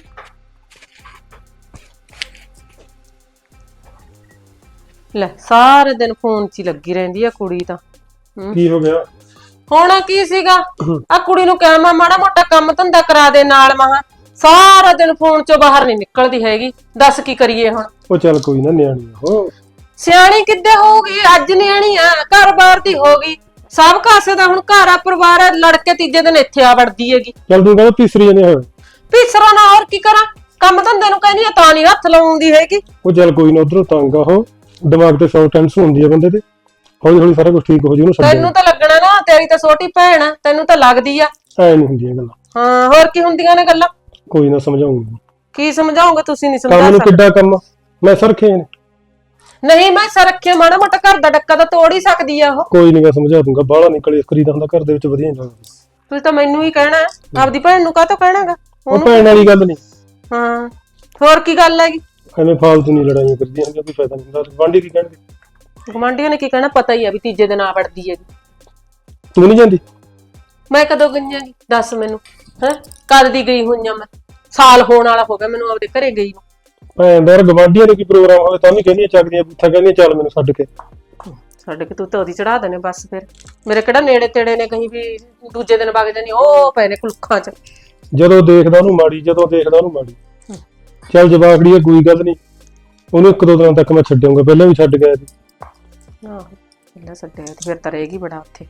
ਲੈ ਸਾਰੇ ਦਿਨ ਫੋਨ 'ਚ ਹੀ ਲੱਗੀ ਰਹਿੰਦੀ ਆ ਕੁੜੀ ਤਾਂ।
ਕੀ ਹੋ ਗਿਆ?
ਹੋਣਾ ਕੀ ਸੀਗਾ, ਆ ਕੁੜੀ ਨੂੰ ਕਹਿ ਮੈਂ ਮਾੜਾ ਮੋਟਾ ਕੰਮ ਧੰਦਾ ਕਰਾ ਦੇ ਨਾਲ। ਮਹਾ ਸਾਰਾ ਦਿਨ ਫੋਨ 'ਚੋਂ ਬਾਹਰ ਨਹੀਂ ਨਿਕਲਦੀ ਹੈਗੀ। ਦੱਸ ਕੀ ਕਰੀਏ ਹੁਣ?
ਉਹ ਚੱਲ ਕੋਈ ਨਾ, ਨਿਆਣੀ ਆ ਉਹ।
ਸਿਆਣੀ ਕਿੱਦੇ ਹੋਊਗੀ, ਅੱਜ ਨਿਆਣੀ ਆ, ਘਰ-ਬਾਰ ਦੀ ਹੋ ਗਈ। ਸਭ ਕਾਸੇ ਦਾ ਹੁਣ ਘਰ ਆ, ਪਰਿਵਾਰ ਆ, ਲੜ ਕੇ ਤੀਜੇ ਦਿਨ ਇੱਥੇ ਆ ਵੜਦੀ ਹੈਗੀ।
ਚੱਲ ਤੂੰ ਕਹਿੰਦਾ ਤੀਸਰੀ ਜਣੇ ਹੋਏ।
ਪੀਸਰਾ ਨਾ, ਹੋਰ ਕੀ ਕਰਾਂ? ਕੰਮ ਧੰਦੇ ਨੂੰ ਕਹਿੰਦੀ ਆ ਤਾਂ ਨਹੀਂ ਹੱਥ ਲਾਉਂਦੀ ਹੈਗੀ।
ਉਹ ਚੱਲ ਕੋਈ ਨਾ, ਉਧਰੋਂ ਤੰਗ ਆ ਉਹ, ਦਿਮਾਗ ਤੇ 100 ਟੈਨਸ਼ਨ ਹੁੰਦੀ ਆ ਬੰਦੇ ਤੇ। ਹੌਲੀ ਹੌਲੀ ਸਾਰਾ ਕੁਝ ਠੀਕ ਹੋ ਜੂ। ਉਹਨੂੰ
ਤੈਨੂੰ ਤਾਂ ਲੱਗਣਾ ਨਾ, ਤੇਰੀ ਤਾਂ ਛੋਟੀ ਭੈਣ ਆ, ਤੈਨੂੰ ਤਾਂ ਲੱਗਦੀ ਆ।
ਐ ਨਹੀਂ ਹੁੰਦੀਆਂ ਗੱਲਾਂ।
ਹਾਂ ਹੋਰ ਕੀ ਹੁੰਦੀਆਂ ਨੇ ਗੱਲਾਂ?
ਕੋਈ ਨਾ ਸਮਝਾਉਂਗਾ।
ਕੀ ਸਮਝਾਉਂਗੇ? ਤੁਸੀਂ ਨਹੀਂ
ਕੰਮ
ਸਮਝਾ
ਨੂੰ
ਸਕਦੇ।
ਕਿੱਡਾ ਕੰਮ ਆ, ਮੈਂ ਸਰਖੇ ਨੇ।
ਨਹੀਂ ਮੈਂ ਸਰੱਖਿਆ, ਮਾੜਾ ਮੋਟਾ ਘਰ ਦਾ ਡੱਕਾ ਤਾਂ ਤੋੜ ਹੀ ਸਕਦੀ ਆ ਉਹ।
ਕੋਈ ਨਹੀਂ, ਮੈਂ ਸਮਝਾ ਦੂੰਗਾ। ਬਾਹਲਾ ਨਿਕਲੇ ਕਰੀਦਾ ਹੁੰਦਾ ਘਰ ਦੇ ਵਿੱਚ, ਵਧੀਆ ਨਹੀਂ ਲੱਗਦਾ।
ਤੁਸੀਂ ਤਾਂ ਮੈਨੂੰ ਹੀ ਕਹਿਣਾ, ਆਪਦੀ ਭੈਣ ਨੂੰ ਕਾਹਤੋਂ ਕਹਿਣਾਗਾ?
ਉਹ ਭੈਣ ਵਾਲੀ ਗੱਲ ਨਹੀਂ।
ਹਾਂ ਹੋਰ ਕੀ ਗੱਲ ਹੈਗੀ?
ਐਵੇਂ ਫਾਲਤੂ ਨਹੀਂ ਲੜਾਈਆਂ ਕਰਦੀਆਂ ਹੁੰਦੀਆਂ, ਕੋਈ ਫਾਇਦਾ ਨਹੀਂ ਹੁੰਦਾ। ਗੁਆਂਢੀ ਕੀ ਕਹਿਣਗੇ?
ਗੁਆਂਢੀਆਂ ਨੇ ਕੀ ਕਹਿਣਾ? ਪਤਾ ਹੀ ਆ ਵੀ ਤੀਜੇ ਦਿਨ ਆ ਵੜਦੀ ਹੈਗੀ।
ਤੂੰ ਨਹੀਂ ਜਾਂਦੀ?
ਮੈਂ ਕਦੋਂ ਗਈਆਂਗੀ ਦੱਸ ਮੈਨੂੰ? ਹੈ ਕਦ ਦੀ ਗਈ ਹੋਈਆਂ ਮੈਂ? ਸਾਲ ਹੋਣ ਵਾਲਾ ਹੋ ਗਿਆ ਮੈਨੂੰ ਆਪਦੇ ਘਰੇ ਗਈ ਨੂੰ।
ਭੈਣ ਦਾ ਗੁਆਂਢੀਆਂ ਦੇ ਕੀ ਪ੍ਰੋਗਰਾਮ ਹੋਵੇ ਤਾਂ ਵੀ ਕਹਿੰਦੀਆਂ ਚੱਕਦੀਆਂ ਬੂਥਾ, ਕਹਿੰਦੀਆਂ ਚੱਲ ਮੈਨੂੰ ਛੱਡ ਕੇ।
ਛੱਡ ਕੇ ਤੂੰ ਤਾਂ ਉਹਦੀ ਚੜਾ ਦੇਣੇ ਬਸ। ਫਿਰ ਮੇਰੇ ਕਿਹੜਾ ਨੇੜੇ ਤੇੜੇ ਨੇ, ਕਹੀਂ ਵੀ ਦੂਜੇ ਦਿਨ ਵਗ ਜਾਣੀ। ਉਹ ਪਏ ਨੇ ਕੁਲੱਖਾਂ 'ਚ।
ਜਦੋਂ ਦੇਖਦਾ ਉਹਨੂੰ ਮਾੜੀ, ਜਦੋਂ ਦੇਖਦਾ ਉਹਨੂੰ ਮਾੜੀ। ਚੱਲ ਜਵਾਕੜੀ ਆ, ਕੋਈ ਗੱਲ ਨਹੀਂ। ਉਹਨੂੰ 1-2 ਦਿਨਾਂ ਤੱਕ ਮੈਂ ਛੱਡੂੰਗਾ, ਪਹਿਲਾਂ ਵੀ ਛੱਡ ਗਿਆ ਸੀ।
ਆਹੋ ਪਹਿਲਾਂ ਛੱਡਿਆ ਤੇ ਫਿਰ ਤਾਂ ਰਹੇਗੀ ਬੜਾ ਉੱਥੇ।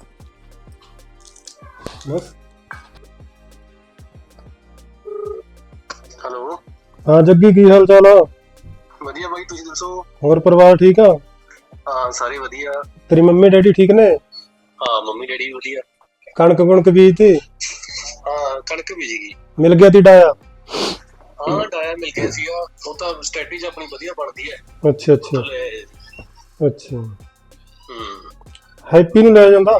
ਬਸ
ਹੈਲੋ।
ਹਾਂ ਜੱਗੀ, ਕੀ ਹਾਲ ਚਾਲ ਆ?
ਵਧੀਆ ਬਾਈ, ਤੁਸੀਂ ਦੱਸੋ?
ਹੋਰ ਪਰਿਵਾਰ ਠੀਕ ਆ?
ਹਾਂ ਸਾਰੇ ਵਧੀਆ।
ਤੇਰੀ ਮੰਮੀ ਡੈਡੀ ਠੀਕ ਨੇ?
ਹਾਂ ਮੰਮੀ ਡੈਡੀ ਵੀ ਵਧੀਆ।
ਕਣਕ ਕੁਣਕ ਬੀਜਤੀ?
ਹਾਂ ਕਣਕ ਬੀਜ ਗਈ।
ਮਿਲ ਗਿਆ ਤੀ ਡਾਇਆ?
ਹਾਂ ਡਾਇਆ ਮਿਲ ਗਿਆ ਸੀਗਾ, ਉਹ ਤਾਂ ਸਟ੍ਰੈਟੇਜੀ ਆਪਣੀ ਵਧੀਆ ਬਣਦੀ ਹੈ।
ਅੱਛਾ ਅੱਛਾ ਅੱਛਾ।
ਹੂੰ।
ਹੈਪੀ ਨੂੰ ਲੈ ਜਾਂਦਾ।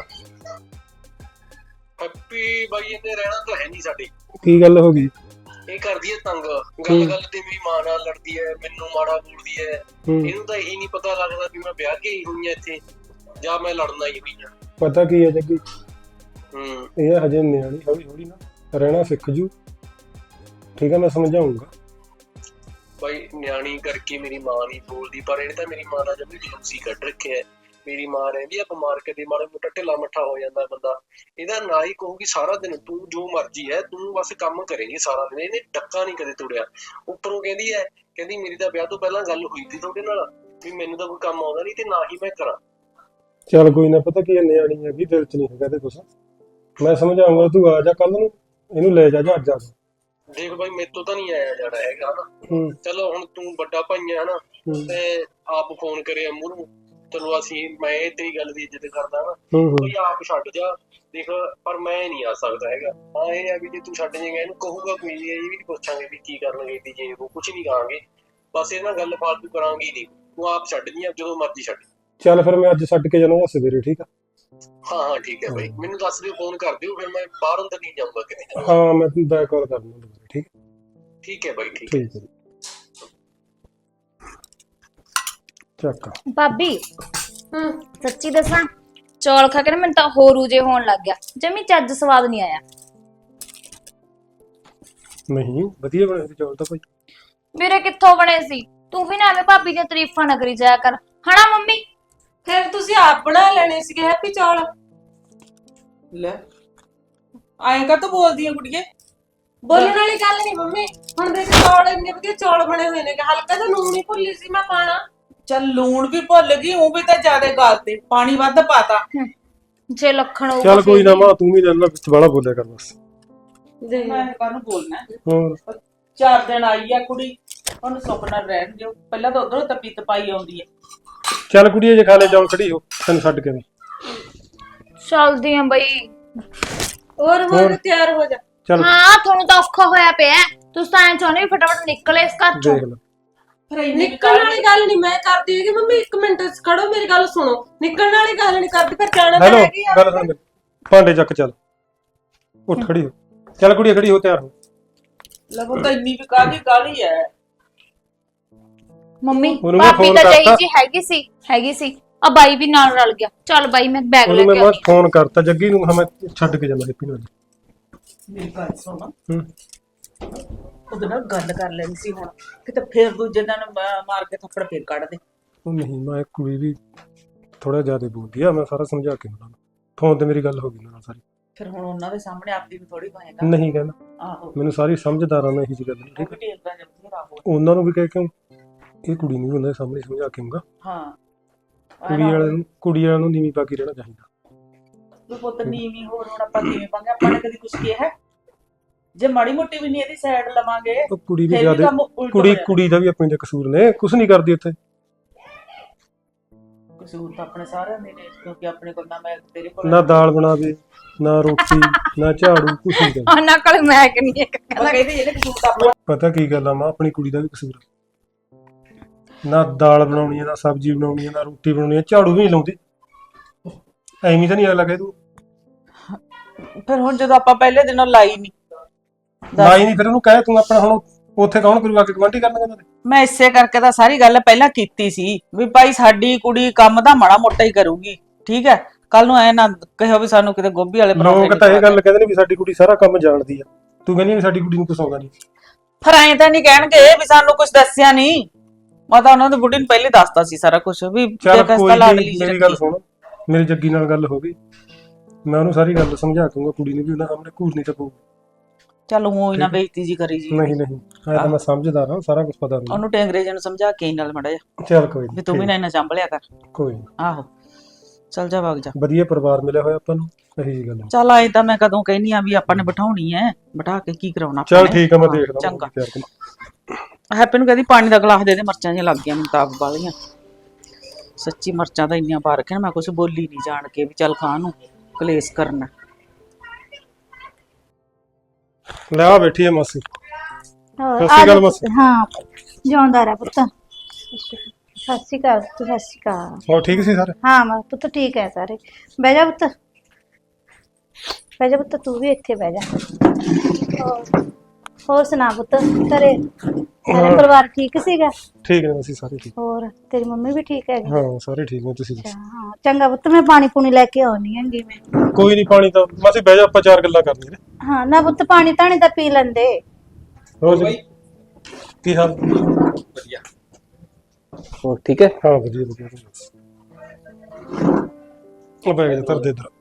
ਹੈਪੀ ਬਾਈ ਇਹਨੇ ਰਹਿਣਾ ਤਾਂ ਹੈ ਨਹੀਂ ਸਾਡੇ।
ਕੀ ਗੱਲ ਹੋ ਗਈ?
ਇਹ ਕਰਦੀ ਹੈ ਤੰਗ, ਗੱਲ ਗੱਲ ਤੇ ਮੇਰੀ ਮਾਂ ਨਾਲ ਲੜਦੀ ਹੈ, ਮੈਨੂੰ ਮਾੜਾ ਬੋਲਦੀ ਹੈ। ਇਹਨੂੰ ਤਾਂ ਇਹੀ ਨਹੀਂ ਪਤਾ ਲੱਗਦਾ ਵੀ ਮੈਂ ਵਿਆਹ ਕੇ ਹੀ ਹੋਈ ਆ ਇੱਥੇ ਜਾਂ ਮੈਂ ਲੜਨਾ ਹੀ ਹੋਈ ਆ।
ਪਤਾ ਕੀ ਹੈ ਜੱਗੀ,
ਹੂੰ।
ਇਹ ਹਜੇ ਨਿਆਣੀ, ਹੌਲੀ ਹੌਲੀ ਨਾ ਰਹਿਣਾ ਸਿੱਖ ਜੂ। ਠੀਕ ਹੈ, ਮੈਂ ਸਮਝਾਉਂਗਾ।
ਬਾਈ ਨਿਆਣੀ ਕਰਕੇ ਮੇਰੀ ਮਾਂ ਨਹੀਂ ਬੋਲਦੀ, ਪਰ ਇਹਨੇ ਤਾਂ ਮੇਰੀ ਮਾਂ ਨਾਲ ਜਮੀ ਜਲੂਸੀ ਕੱਢ ਰੱਖਿਆ। ਮੇਰੀ ਮਾਂ ਰਹਿੰਦੀ ਆ ਬਿਮਾਰ, ਕਦੇ ਮਾੜਾ ਮੋਟਾ ਢਿੱਲਾ ਮੱਠਾ ਹੋ ਜਾਂਦਾ ਬੰਦਾ, ਇਹਦਾ ਨਾ ਹੀ ਕਹੂਗੀ ਸਾਰਾ ਦਿਨ ਤੂੰ ਜੋ ਮਰਜ਼ੀ ਹੈ, ਤੂੰ ਬਸ ਕੰਮ ਕਰੇਂਗੀ ਸਾਰਾ ਦਿਨ। ਇਹਨੇ ਡੱਕਾ ਨਹੀਂ ਕਦੇ ਤੋੜਿਆ। ਉੱਪਰੋਂ ਕਹਿੰਦੀ ਮੇਰੀ ਤਾਂ ਵਿਆਹ ਤੋਂ ਪਹਿਲਾਂ ਗੱਲ ਹੋਈ ਸੀ ਤੁਹਾਡੇ ਨਾਲ ਵੀ ਮੈਨੂੰ ਤਾਂ ਕੋਈ ਕੰਮ ਆਉਂਦਾ ਨਹੀਂ ਤੇ ਨਾ ਹੀ ਮੈਂ ਕਰਾਂ।
ਚੱਲ ਕੋਈ ਨਾ, ਪਤਾ ਕੀ ਹੈ, ਨਿਆਣੀ ਹੈਗੀ, ਦਿਲ ਚ ਨਹੀਂ ਹੈਗਾ ਤੇ ਕੁਛ। ਮੈਂ ਸਮਝਾਉਂਗਾ, ਤੂੰ ਆ ਜਾ ਕੱਲ ਨੂੰ, ਇਹਨੂੰ ਲੈ ਜਾ ਅੱਜ ਆ।
ਦੇਖ ਬਾਈ ਮੇਰੇ ਤੋਂ ਤਾਂ ਨਹੀਂ ਆਇਆ ਜਾਣਾ ਹੈਗਾ ਨਾ। ਚਲੋ ਹੁਣ ਤੂੰ ਵੱਡਾ ਭਾਈ ਆ ਨਾ, ਤੇ ਆਪ ਫੋਨ ਕਰਿਆ ਮੂਹਰੋਂ, ਚਲੋ ਮੈਂ ਤੇਰੀ ਗੱਲ ਦੀ ਇੱਜ਼ਤ ਕਰਦਾ ਨਾ, ਕੋਈ ਆਪ ਛੱਡ ਜਾ। ਦੇਖ ਪਰ ਮੈਂ ਨਹੀਂ ਆ ਸਕਦਾ ਹੈਗਾ। ਹਾਂ ਇਹ ਆ ਵੀ ਜੇ ਤੂੰ ਛੱਡ ਜਾਏਗਾ, ਇਹਨੂੰ ਕਹੂਗਾ ਕੋਈ ਇਹ ਵੀ ਨਹੀਂ ਪੁੱਛਾਂਗੇ ਵੀ ਕੀ ਕਰਨ ਗਈ ਜੇ ਉਹ ਕੁਛ ਨਹੀਂ ਕਹਾਂਗੇ, ਬਸ ਇਹ ਨਾਲ ਗੱਲ ਫਾਲਤੂ ਕਰਾਂਗੇ ਨਹੀਂ। ਤੂੰ ਆਪ ਛੱਡ ਜੀ, ਜਦੋਂ ਮਰਜ਼ੀ ਛੱਡ।
ਚੱਲ ਫਿਰ ਮੈਂ ਅੱਜ ਛੱਡ ਕੇ ਜਾਣਾ ਸਵੇਰੇ, ਠੀਕ ਆ?
ਹਾਂ ਠੀਕ ਹੈ ਬਾਈ, ਮੈਨੂੰ ਦੱਸ ਦਿਓ, ਫੋਨ ਕਰ ਦਿਓ, ਫਿਰ ਮੈਂ ਬਾਹਰ ਅੰਦਰ ਨਹੀਂ ਜਾਊਂਗਾ ਕਿਤੇ।
ਹਾਂ ਮੈਂ ਤੈਨੂੰ ਬੈਕ ਕਾਲ ਕਰ ਦੂੰਗਾ, ਠੀਕ?
ਠੀਕ ਹੈ ਬਾਈ, ਠੀਕ ਹੈ।
ਠੀਕ ਹੈ ਚੱਕ।
ਭਾਬੀ ਸੱਚੀ ਦੱਸਾਂ, ਚੌਲ ਖਾ ਕੇ ਨਾ ਮੈਨੂੰ ਤਾਂ ਹੋਰ ਊਜੇ ਹੋਣ ਲੱਗ ਗਿਆ, ਜਮੀ ਚੱਜ ਸਵਾਦ ਨਹੀਂ ਆਇਆ।
ਨਹੀਂ ਵਧੀਆ ਬਣੇ ਸੀ ਚੌਲ ਤਾਂ ਭਾਈ।
ਮੇਰੇ ਕਿੱਥੋਂ ਬਣੇ ਸੀ? ਤੂੰ ਵੀ ਨਾ ਐਵੇਂ ਭਾਬੀ ਦੀਆਂ ਤਾਰੀਫਾਂ ਨਾ ਕਰੀ ਜਾਇਆ ਕਰ, ਹਨਾ ਮੰਮੀ?
ਫਿਰ ਤੁਸੀਂ ਆਪ ਬਣਾ ਲੈਣੇ ਸੀਗੇ ਹੈਪੀ ਚੌਲ।
ਲੈ ਆਏਂ ਕਾ ਤੂੰ ਬੋਲਦੀ ਆ ਕੁੜੀਏ?
ਬੋਲਣ ਵਾਲੀ ਗੱਲ ਨਹੀਂ ਮੰਮੀ, ਹੁਣ ਦੇਖ ਚੌਲ ਇੰਨੇ ਵਧੀਆ ਚੌਲ ਬਣੇ ਹੋਏ ਨੇ, ਹਲਕਾ ਜਿਹਾ ਲੂਣ ਹੀ ਭੁੱਲੀ ਸੀ ਮੈਂ ਪਾਣਾ।
ਚੱਲ ਲੂਣ ਵੀ ਭੁੱਲ ਗਈ, ਉਹ ਵੀ ਤਾਂ ਜ਼ਿਆਦਾ ਗਲਤੇ, ਪਾਣੀ ਵੱਧ ਪਾਤਾ।
ਜੇ ਲੱਖਣ ਹੋਊਗਾ
ਚੱਲ ਕੋਈ ਨਾ ਮਾਂ, ਤੂੰ ਵੀ ਰਹਿਣਾ ਵਿੱਚ ਵਾਲਾ ਬੋਲਿਆ ਕਰ ਬਸ।
ਮੈਂ ਕਾਹਨੂੰ ਬੋਲਣਾ?
ਹੋਰ
4 ਦਿਨ ਆਈ ਆ ਕੁੜੀ, ਉਹਨੂੰ ਸੁੱਖ ਨਾਲ ਰਹਿਣ ਦਿਓ। ਪਹਿਲਾਂ ਤਾਂ ਉਧਰੋਂ ਤਪੀ ਤਪਾਈ ਆਉਂਦੀ ਹੈ।
ਚੱਲ ਕੁੜੀਏ, ਜੇ ਖਾ ਲੈ ਜਾਓ, ਖੜੀ ਹੋ, ਤੈਨੂੰ ਛੱਡ ਕੇ।
ਚੱਲਦੀ ਆ ਬਈ।
ਹੋਰ ਤਿਆਰ ਹੋ ਜਾ।
ਚੱਲ
ਹਾਂ ਤੁਹਾਨੂੰ ਤਾਂ ਔਖਾ ਹੋਇਆ ਪਿਆ, ਤੁਸੀਂ ਤਾਂ ਐਂ ਚਾਹੁੰਦੇ ਵੀ ਫਟਾਫਟ ਨਿਕਲੇ ਇਸ ਘਰ ਚੋਂ।
ਦੇਖ ਲੈ,
ਨਿਕਲਣ ਵਾਲੀ ਗੱਲ ਨਹੀਂ ਮੈਂ ਕਰਦੀ ਹੈਗੀ ਮੰਮੀ, 1 ਮਿੰਟ ਖੜੋ, ਮੇਰੀ ਗੱਲ ਸੁਣੋ। ਨਿਕਲਣ ਵਾਲੀ ਗੱਲ ਨਹੀਂ ਕਰਦੀ, ਫਿਰ ਜਾਣਾ ਤਾਂ
ਹੈਲੋ
ਹੈਗੀ ਆ।
ਗੱਲ ਸੁਣ ਮੇਰੀ, ਭਾਂਡੇ ਚੱਕ, ਚੱਲ ਉੱਠ ਖੜੀ ਹੋ। ਚੱਲ ਕੁੜੀਏ ਖੜੀ ਹੋ, ਤਿਆਰ ਹੋ।
ਲਵੋ ਤਾਂ ਇੰਨੀ ਵੀ ਕਾਹਦੀ ਕਾਹਲੀ ਹੈ
ਮੰਮੀ?
ਉਹਨੂੰ ਮੈਂ
ਭਾਬੀ
ਫੋਨ
ਤਾਂ
ਕਰਤਾ।
ਜੀ ਹੈਗੀ ਸੀ। ਆ ਬਾਈ ਵੀ ਨਾਲ ਰਲ ਗਿਆ। ਚੱਲ ਬਾਈ ਮੈਂ ਬੈਗ ਲੈ
ਉਹਨੂੰ
ਕੇ
ਮੈਂ
ਆਉਂਦੀ।
ਫੋਨ ਕਰਤਾ ਜੱਗੀ ਨੂੰ, ਮੈਂ ਛੱਡ ਕੇ ਜਾਂਦਾ ਹੈਪੀ ਨੂੰ।
ਮੇਰੀ ਗੱਲ ਸੁਣ, ਉਹਦੇ ਨਾਲ ਗੱਲ ਕਰ ਲੈਣੀ ਸੀ ਹੁਣ, ਕਿਤੇ ਫੇਰ ਦੂਜੇ ਦਿਨ ਮਾਰ ਕੇ ਥੱਪੜ ਫੇਰ ਕੱਢ ਦੇ।
ਉਹ ਨਹੀਂ, ਮੈਂ ਕੁੜੀ ਵੀ ਥੋੜਾ ਜ਼ਿਆਦਾ ਬੋਲਦੀ ਆ, ਮੈਂ ਸਾਰਾ ਸਮਝਾ ਕੇ ਉਹਨਾਂ ਨੂੰ। ਫੋਨ ਤੇ ਮੇਰੀ ਗੱਲ ਹੋ ਗਈ ਨਾਲ ਸਾਰੀ।
ਫਿਰ ਹੁਣ ਉਹਨਾਂ ਦੇ ਸਾਹਮਣੇ ਆਪਦੀ ਵੀ ਥੋੜੀ ਪਾਏਗਾ।
ਨਹੀਂ ਕਹਿੰਦਾ,
ਆਹੋ
ਮੈਨੂੰ ਸਾਰੀ ਸਮਝਦਾਰਾਂ ਨੇ ਇਹੀ ਜੀ ਗੱਲ
ਉਹ ਵੀ ਟੇਲਦਾ ਜਬ ਬਥੇਰਾ ਹੋ।
ਉਹਨਾਂ ਨੂੰ ਵੀ ਕਹਿ ਕੇ ਇਹ ਕੁੜੀ ਨੂੰ ਵੀ ਉਹਨਾਂ ਦੇ ਸਾਹਮਣੇ ਸਮਝਾ ਕੇ ਆਊਂਗਾ।
ਹਾਂ
ਕੁੜੀ ਵਾਲਿਆਂ ਨੂੰ ਨੀਵੀਂ ਪਾ ਕੇ ਰਹਿਣਾ ਚਾਹੀਦਾ।
ਤੂੰ ਪੁੱਤ ਨੀਵੀਂ ਹੋਰ ਹੁਣ ਆਪਾਂ ਕਿਵੇਂ ਪਾਂਗੇ? ਆਪਾਂ ਨੇ ਕਦੀ ਕੁਛ ਕਿਹਾ? ਜੇ ਮਾੜੀ ਮੋਟੀ ਵੀ ਨਹੀਂ ਇਹਦੀ ਸਾਈਡ ਲਵਾਂਗੇ
ਉਹ ਕੁੜੀ ਵੀ
ਫਿਰ ਵੀ
ਜ਼ਿਆਦਾ,
ਕੰਮ ਉਲਟ ਹੋ ਜਾਣਾ।
ਕੁੜੀ ਦਾ ਵੀ ਆਪਣੇ ਦੇ ਕਸੂਰ ਨੇ, ਕੁਛ ਨਹੀਂ ਕਰਦੀ ਉੱਥੇ।
ਕਸੂਰ ਤਾਂ ਆਪਣੇ ਸਾਰਿਆਂ ਦੇ ਨੇ, ਕਿਉਂਕਿ ਆਪਣੇ ਕੋਲ ਨਾ ਮੈਂ ਤੇਰੇ ਕੋਲ
ਨਾ ਦਾਲ ਬਣਾਵੇ, ਨਾ ਰੋਟੀ, ਨਾ ਝਾੜੂ, ਕੁਛ ਨਹੀਂ ਕਰਦੀ।
ਉਹਨਾਂ ਕੋਲ ਮੈਂ ਕਿ ਨਹੀਂ ਇੱਕ
ਆਪਾਂ ਕਹਿੰਦੇ ਇਹਨੇ ਕਸੂਰ ਤਾਂ ਆਪਣਾ।
ਪਤਾ ਕੀ ਗੱਲ ਆ ਮਾਂ, ਆਪਣੀ ਕੁੜੀ ਦਾ ਵੀ ਕਸੂਰ ਆ। ਨਾ ਦਾਲ ਬਣਾਉਣੀ ਹੈ, ਨਾ ਸਬਜ਼ੀ ਬਣਾਉਣੀ ਹੈ, ਨਾ ਰੋਟੀ ਬਣਾਉਣੀ ਹੈ, ਝਾੜੂ ਵੀ ਨਹੀਂ ਲਾਉਂਦੀ। ਐਵੇਂ ਤਾਂ ਨਹੀਂ ਅਗਲਾ ਕਹੇ ਤੂੰ
ਫਿਰ ਹੁਣ ਜਦੋਂ ਆਪਾਂ ਪਹਿਲੇ ਦਿਨੋਂ ਲਾਈ ਨਹੀਂ
ਲਾਈ ਨਹੀਂ, ਫਿਰ ਉਹਨੂੰ ਕਹੇ ਤੂੰ ਆਪਣਾ। ਹੁਣ ਉੱਥੇ ਕੌਣ ਕਰੂਗਾ, ਕਿ ਗਵਾਂਢੀ ਕਰਨਗੇ ਉਹਨਾਂ ਦੇ?
ਮੈਂ ਇਸੇ ਕਰਕੇ ਤਾਂ ਸਾਰੀ ਗੱਲ ਪਹਿਲਾਂ ਕੀਤੀ ਸੀ ਵੀ ਭਾਈ ਸਾਡੀ ਕੁੜੀ ਕੰਮ ਦਾ ਮਾੜਾ ਮੋਟਾ ਹੀ ਕਰੂਗੀ, ਠੀਕ ਹੈ? ਕੱਲ ਨੂੰ ਐ ਨਾ ਕਹਿਓ ਵੀ ਸਾਨੂੰ ਕਿਤੇ ਗੋਭੀ ਵਾਲੇ
ਲੋਕ ਤਾਂ ਇਹ ਗੱਲ ਕਹਿੰਦੇ ਨੇ ਵੀ ਸਾਡੀ ਕੁੜੀ ਸਾਰਾ ਕੰਮ ਜਾਣਦੀ ਆ, ਤੂੰ ਕਹਿੰਦੀ ਵੀ ਸਾਡੀ ਕੁੜੀ ਨੂੰ ਕੁਛ ਆਉਂਦਾ ਨਹੀਂ।
ਫਿਰ ਐਂ ਤਾਂ ਨਹੀਂ ਕਹਿਣਗੇ ਵੀ ਸਾਨੂੰ ਕੁਝ ਦੱਸਿਆ ਨਹੀਂ। ਮੈਂ ਤਾਂ ਉਹਨਾਂ ਦੀ ਬੁੱਢੀ ਨੂੰ ਪਹਿਲੇ ਦੱਸਤਾ ਸੀ ਸਾਰਾ ਕੁਝ ਵੀ
ਚੱਲ
ਬੇਕਸ
ਕੋਈ
ਤਾਂ ਲਾਡਲੀ
ਨਹੀਂ,
ਜਿਹੀ
ਮੇਰੀ ਗੱਲ
ਰੱਖੀ।
ਸੁਣ, ਮੇਰੀ ਜੱਗੀ ਨਾਲ ਗੱਲ ਹੋ ਗਈ, ਮੈਂ ਉਹਨੂੰ ਸਾਰੀ ਗੱਲ ਸਮਝਾ ਦੂੰਗਾ। ਕੁੜੀ ਨੂੰ ਵੀ ਉਹਨਾਂ ਸਾਹਮਣੇ ਘੂਰਨੀ ਤਾਂ ਪਊ।
ਚੱਲ ਉਹ ਹੀ ਨਾ ਬੇਇੱਜ਼ਤੀ ਜੀ ਕਰੀ ਜੀ।
ਨਹੀਂ ਐ ਤਾਂ ਮੈਂ ਸਮਝਦਾਰ ਹਾਂ, ਸਾਰਾ ਕੁਝ ਪਤਾ ਮੈਨੂੰ।
ਉਹਨੂੰ ਟੈਂਗਰੇ ਜੀ ਨੂੰ ਸਮਝਾ ਕੇ ਨਾਲ ਮੜਾ ਜਾ
ਚੱਲ ਕੋਈ
ਵੀ ਤੂੰ ਵੀ ਨਾ ਇਹਨਾਂ ਚੰਬਲਿਆ ਕਰ।
ਕੋਈ ਨੀ।
ਆਹੋ ਚੱਲ ਜਾ ਵਗ ਜਾ।
ਵਧੀਆ ਪਰਿਵਾਰ ਮਿਲਿਆ ਹੋਇਆ ਆਪਾਂ ਨੂੰ, ਇਹੀ ਜੀ ਗੱਲ ਆ।
ਚੱਲ ਆਏ ਤਾਂ ਮੈਂ ਕਦੋਂ ਕਹਿਨੀ ਆ ਵੀ ਆਪਾਂ ਨੇ ਬਿਠਾਉਣੀ ਐ, ਬਿਠਾ ਕੇ ਕੀ ਕਰਾਉਣਾ ਆਪਾਂ
ਚੱਲ
ਨੇ।
ਠੀਕ ਆ, ਮੈਂ
ਹਾਂ,
ਦੇਖਦਾ
ਚੰਗਾ।
ਪਿਆਰ ਕਰ।
ਹੈਪੀ ਨੂੰ ਕਹਿੰਦੀ ਪਾਣੀ ਦਾ ਗਲਾਸ ਦੇ ਦੇ, ਮਿਰਚਾਂ ਜਿਹੀਆਂ ਲੱਗ ਗਈਆਂ ਮੈਨੂੰ ਤਾਂ ਆਪ ਵਾਲੀਆਂ। ਸੱਚੀ ਮਿਰਚਾਂ ਤਾਂ ਇੰਨੀਆਂ ਪਾ ਰੱਖੀਆਂ, ਮੈਂ ਕੁਝ ਬੋਲੀ ਨਹੀਂ ਜਾਣ ਕੇ ਵੀ ਚੱਲ ਖਾਣ ਨੂੰ ਕਲੇਸ਼ ਕਰਨਾ।
ਲੈ ਆ ਬੈਠੀ ਹੈ ਮਾਸੀ।
ਹੋਰ,
ਸਤਿ ਸ਼੍ਰੀ ਅਕਾਲ
ਆ ਜਾ
ਮਾਸੀ।
ਪੁੱਤ, ਹਾਂ ਜਿਉਂਦਾ ਰਹਿ ਪੁੱਤ। ਸਤਿ ਸ਼੍ਰੀ ਅਕਾਲ ਪੁੱਤ, ਸਤਿ ਸ਼੍ਰੀ ਅਕਾਲ।
ਹੋਰ ਠੀਕ ਸੀ ਸਾਰੇ?
ਹਾਂ ਮੈਂ ਪੁੱਤ ਠੀਕ ਹੈ ਸਾਰੇ। ਬਹਿ ਜਾ ਪੁੱਤ, ਬਹਿ ਜਾ ਪੁੱਤ, ਤੂੰ ਵੀ ਇੱਥੇ ਬਹਿ ਜਾ। ਹੋਰ ਸੁਣਾ ਪੁੱਤ, ਘਰੇ ਸਾਰੇ ਪਰਿਵਾਰ ਠੀਕ ਸੀਗਾ?
ਠੀਕ ਨੇ ਮਾਸੀ, ਸਾਰੇ ਠੀਕ।
ਹੋਰ ਤੇਰੀ ਮੰਮੀ ਵੀ ਠੀਕ ਹੈਗੀ?
ਹਾਂ ਸਾਰੇ ਠੀਕ ਨੇ, ਤੁਸੀਂ ਦੱਸੋ?
ਹਾਂ ਚੰਗਾ ਪੁੱਤ, ਮੈਂ ਪਾਣੀ ਪੂਣੀ ਲੈ ਕੇ ਆਉਣੀ ਹੈਗੀ ਮੈਂ।
ਕੋਈ ਨਹੀਂ, ਪਾਣੀ ਤਾਂ ਮਾਸੀ ਬਹਿ ਜਾ, ਆਪਾਂ ਚਾਰ ਗੱਲਾਂ ਕਰਨੀਆਂ ਨੇ।
ਹਾਂ ਨਾ ਪੁੱਤ, ਪਾਣੀ ਧਾਣੀ ਤਾਂ ਪੀ ਲੈਂਦੇ।
ਹੋਰ ਜੀ ਕੀ ਹਾਲ?
ਵਧੀਆ। ਹੋਰ ਠੀਕ ਹੈ?
ਹਾਂ ਵਧੀਆ ਵਧੀਆ। ਉਹ ਬੈਗ ਧਰ ਦੇ ਇੱਧਰ।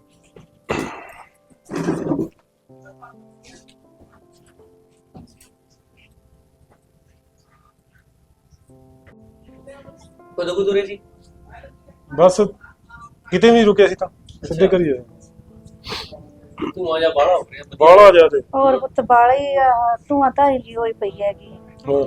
ਕਦੋਂ ਕੁ ਤੁਰੇ ਜੀ?
ਬਸ ਕਿਤੇ ਵੀ ਰੁਕਿਆ ਸੀ ਤਾਂ ਸਿੱਧੇ ਕਰੀ ਜਾ।
ਤੂੰ ਆ ਜਾ, ਬਾਹਲਾ ਹੋ ਰਿਹਾ।
ਬਾਹਲਾ ਜਾ ਤੇ
ਹੋਰ ਪੁੱਤ ਬਾਲੀ ਧੂਆਂ ਧਾਰੀ ਜੀ ਹੋਈ ਪਈ ਹੈਗੀ।
ਹੋਰ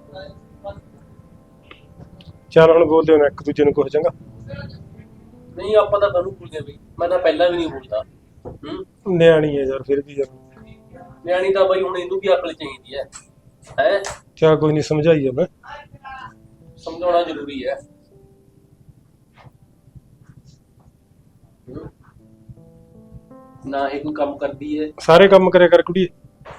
ਚੱਲ ਹੁਣ ਬੋਲਦੇ ਹੋ ਇੱਕ ਦੂਜੇ ਨੂੰ ਕੁਝ ਚੰਗਾ।
ਨਹੀਂ ਆਪਾਂ ਤਾਂ ਤੁਹਾਨੂੰ ਭੁੱਲਦੇ ਬਈ, ਮੈਂ ਤਾਂ ਪਹਿਲਾਂ ਵੀ ਨਹੀਂ ਬੋਲਦਾ।
ਨਿਆਣੀ ਹੈ ਯਾਰ, ਫਿਰ ਵੀ ਯਾਰ।
ਨਿਆਣੀ ਤਾਂ ਬਈ ਹੁਣ ਇਹਨੂੰ ਵੀ ਅਕਲ ਚਾਹੀਦੀ ਹੈ। ਹੈ
ਕਿਆ ਕੋਈ ਨਹੀਂ, ਸਮਝਾਈਏ ਮੈਂ।
ਸਮਝਾਉਣਾ ਜ਼ਰੂਰੀ ਹੈ। ਨਾ ਇਹ ਕੋਈ ਕੰਮ ਕਰਦੀ ਹੈ।
ਸਾਰੇ ਕੰਮ ਕਰਿਆ ਕਰ ਕੁੜੀ।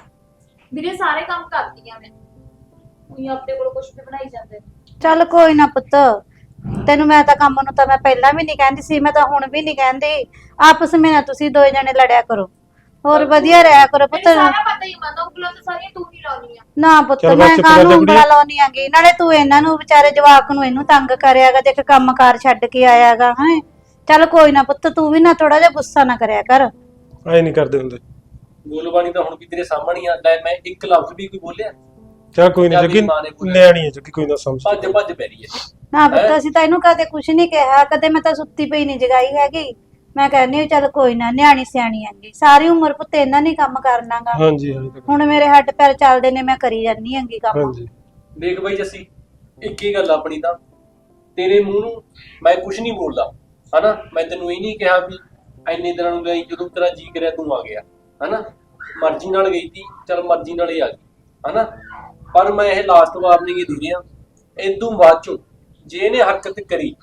ਵੀਰੇ ਸਾਰੇ ਕੰਮ ਕਰਦੀ ਆ ਮੈਂ, ਉਹੀ ਆਪਣੇ ਕੋਲ ਕੁਝ ਵੀ ਬਣਾਈ ਜਾਂਦੇ ਨੇ।
ਚੱਲ ਕੋਈ ਨਾ ਪੁੱਤ, ਤੈਨੂੰ ਮੈਂ ਤਾਂ ਕੰਮ ਨੂੰ ਤਾਂ ਮੈਂ ਪਹਿਲਾਂ ਵੀ ਨਹੀਂ ਕਹਿੰਦੀ ਸੀ, ਮੈਂ ਤਾਂ ਹੁਣ ਵੀ ਨਹੀਂ ਕਹਿੰਦੀ। ਆਪਸ ਵਿੱਚ ਨਾ ਤੁਸੀਂ ਦੋਏ ਜਣੇ ਲੜਿਆ ਕਰੋ, ਹੋਰ ਵਧੀਆ ਰਿਹਾ ਕਰੋ ਪੁੱਤ।
ਮੈਨੂੰ ਸਾਰਾ ਪਤਾ ਹੀ ਮੰਨਦਾ, ਉਂਗਲਾਂ ਤੇ ਸਾਰੀਆਂ ਤੂੰ ਹੀ ਲਾਉਣੀ ਆ।
ਨਾ ਪੁੱਤ,
ਚੱਲ ਬਸ
ਮੈਂ
ਚੁੱਪ ਕਰ ਜਾ
ਕਾਹਨੂੰ
ਕੁੜੀਏ।
ਉਂਗਲਾ ਲਾਉਣੀ ਆਂਗੀ, ਨਾਲੇ ਤੂੰ ਇਹਨਾਂ ਨੂੰ ਵਿਚਾਰੇ ਜਵਾਕ ਨੂੰ ਇਹਨੂੰ ਤੰਗ ਕਰਿਆਗਾ, ਦੇਖ ਕੰਮਕਾਰ ਛੱਡ ਕੇ ਆਇਆਗਾ। ਹੈ ਚੱਲ ਕੋਈ ਨਾ ਪੁੱਤ, ਤੂੰ ਵੀ ਨਾ ਥੋੜਾ ਜਿਹਾ ਗੁੱਸਾ ਨਾ ਕਰਿਆ ਕਰ।
ਐ ਨਹੀਂ ਕਰਦੇ ਹੁੰਦੇ।
ਬੋਲਬਾਣੀ ਤਾਂ ਹੁਣ ਵੀ ਤੇਰੇ ਸਾਹਮਣੇ ਆ। ਲੈ ਮੈਂ ਇੱਕ ਲਫ਼ਜ਼ ਵੀ ਕੋਈ ਬੋਲਿਆ?
ਚੱਲ ਕੋਈ ਨਹੀਂ ਜੱਗੀ,
ਮਾਂ ਨੇ ਬੋਲਿਆ।
ਨਿਆਣੀ ਹੈ ਜੱਗੀ, ਕੋਈ ਨਾ ਸਮਝ।
ਭੱਜ ਭੱਜ ਪੈ ਰਹੀ ਹੈ।
ਨਾ ਪੁੱਤ, ਅਸੀਂ ਤਾਂ ਇਹਨੂੰ ਕਦੇ ਕੁਝ ਨਹੀਂ ਕਿਹਾ, ਕਦੇ ਮੈਂ ਤਾਂ ਸੁੱਤੀ ਪਈ ਨਹੀਂ ਜਗਾਈ ਹੈਗੀ। ਮੈਂ ਕਹਿੰਦੀ ਹਾਂ ਚੱਲ ਕੋਈ ਨਾ, ਨਿਆਣੀ ਸਿਆਣੀ ਆਂਗੀ, ਸਾਰੀ ਉਮਰ ਪੁੱਤ ਇਹਨਾਂ ਨੇ ਕੰਮ ਕਰਨਾਗਾ।
ਹਾਂਜੀ ਹਾਂਜੀ
ਹੁਣ ਮੇਰੇ ਹੱਡ ਪੈਰ ਚੱਲਦੇ ਨੇ, ਮੈਂ ਕਰੀ ਜਾਂਦੀ ਆਂਗੀ ਕੰਮ।
ਹਾਂਜੀ।
ਦੇਖ ਬਈ ਜੱਸੀ, ਇੱਕ ਹੀ ਗੱਲ ਆਪਣੀ ਤਾਂ, ਤੇਰੇ ਮੂੰਹ ਨੂੰ ਮੈਂ ਕੁਝ ਨਹੀਂ ਬੋਲਦਾ ਹਨਾ। ਮੈਂ ਤੈਨੂੰ ਇਹ ਨਹੀਂ ਕਿਹਾ ਵੀ ਇੰਨੇ ਦਿਨਾਂ ਨੂੰ ਗਈ, ਜਦੋਂ ਤੇਰਾ ਜੀ ਕਰਿਆ ਤੂੰ ਆ ਗਿਆ ਹਨਾ। ਮਰਜ਼ੀ ਨਾਲ ਗਈ ਤੀ, ਚਲ ਮਰਜ਼ੀ ਨਾਲ ਹੀ ਆ ਗਈ ਹਨਾ। ਪਰ ਮੈਂ ਇਹ ਲਾਸਟ ਵਾਰਨਿੰਗ ਹੀ ਦੇ ਰਿਹਾ, ਇਦੋਂ ਬਾਅਦ ਚੋਂ ਜੇ ਇਹਨੇ ਹਰਕਤ ਕਰੀ,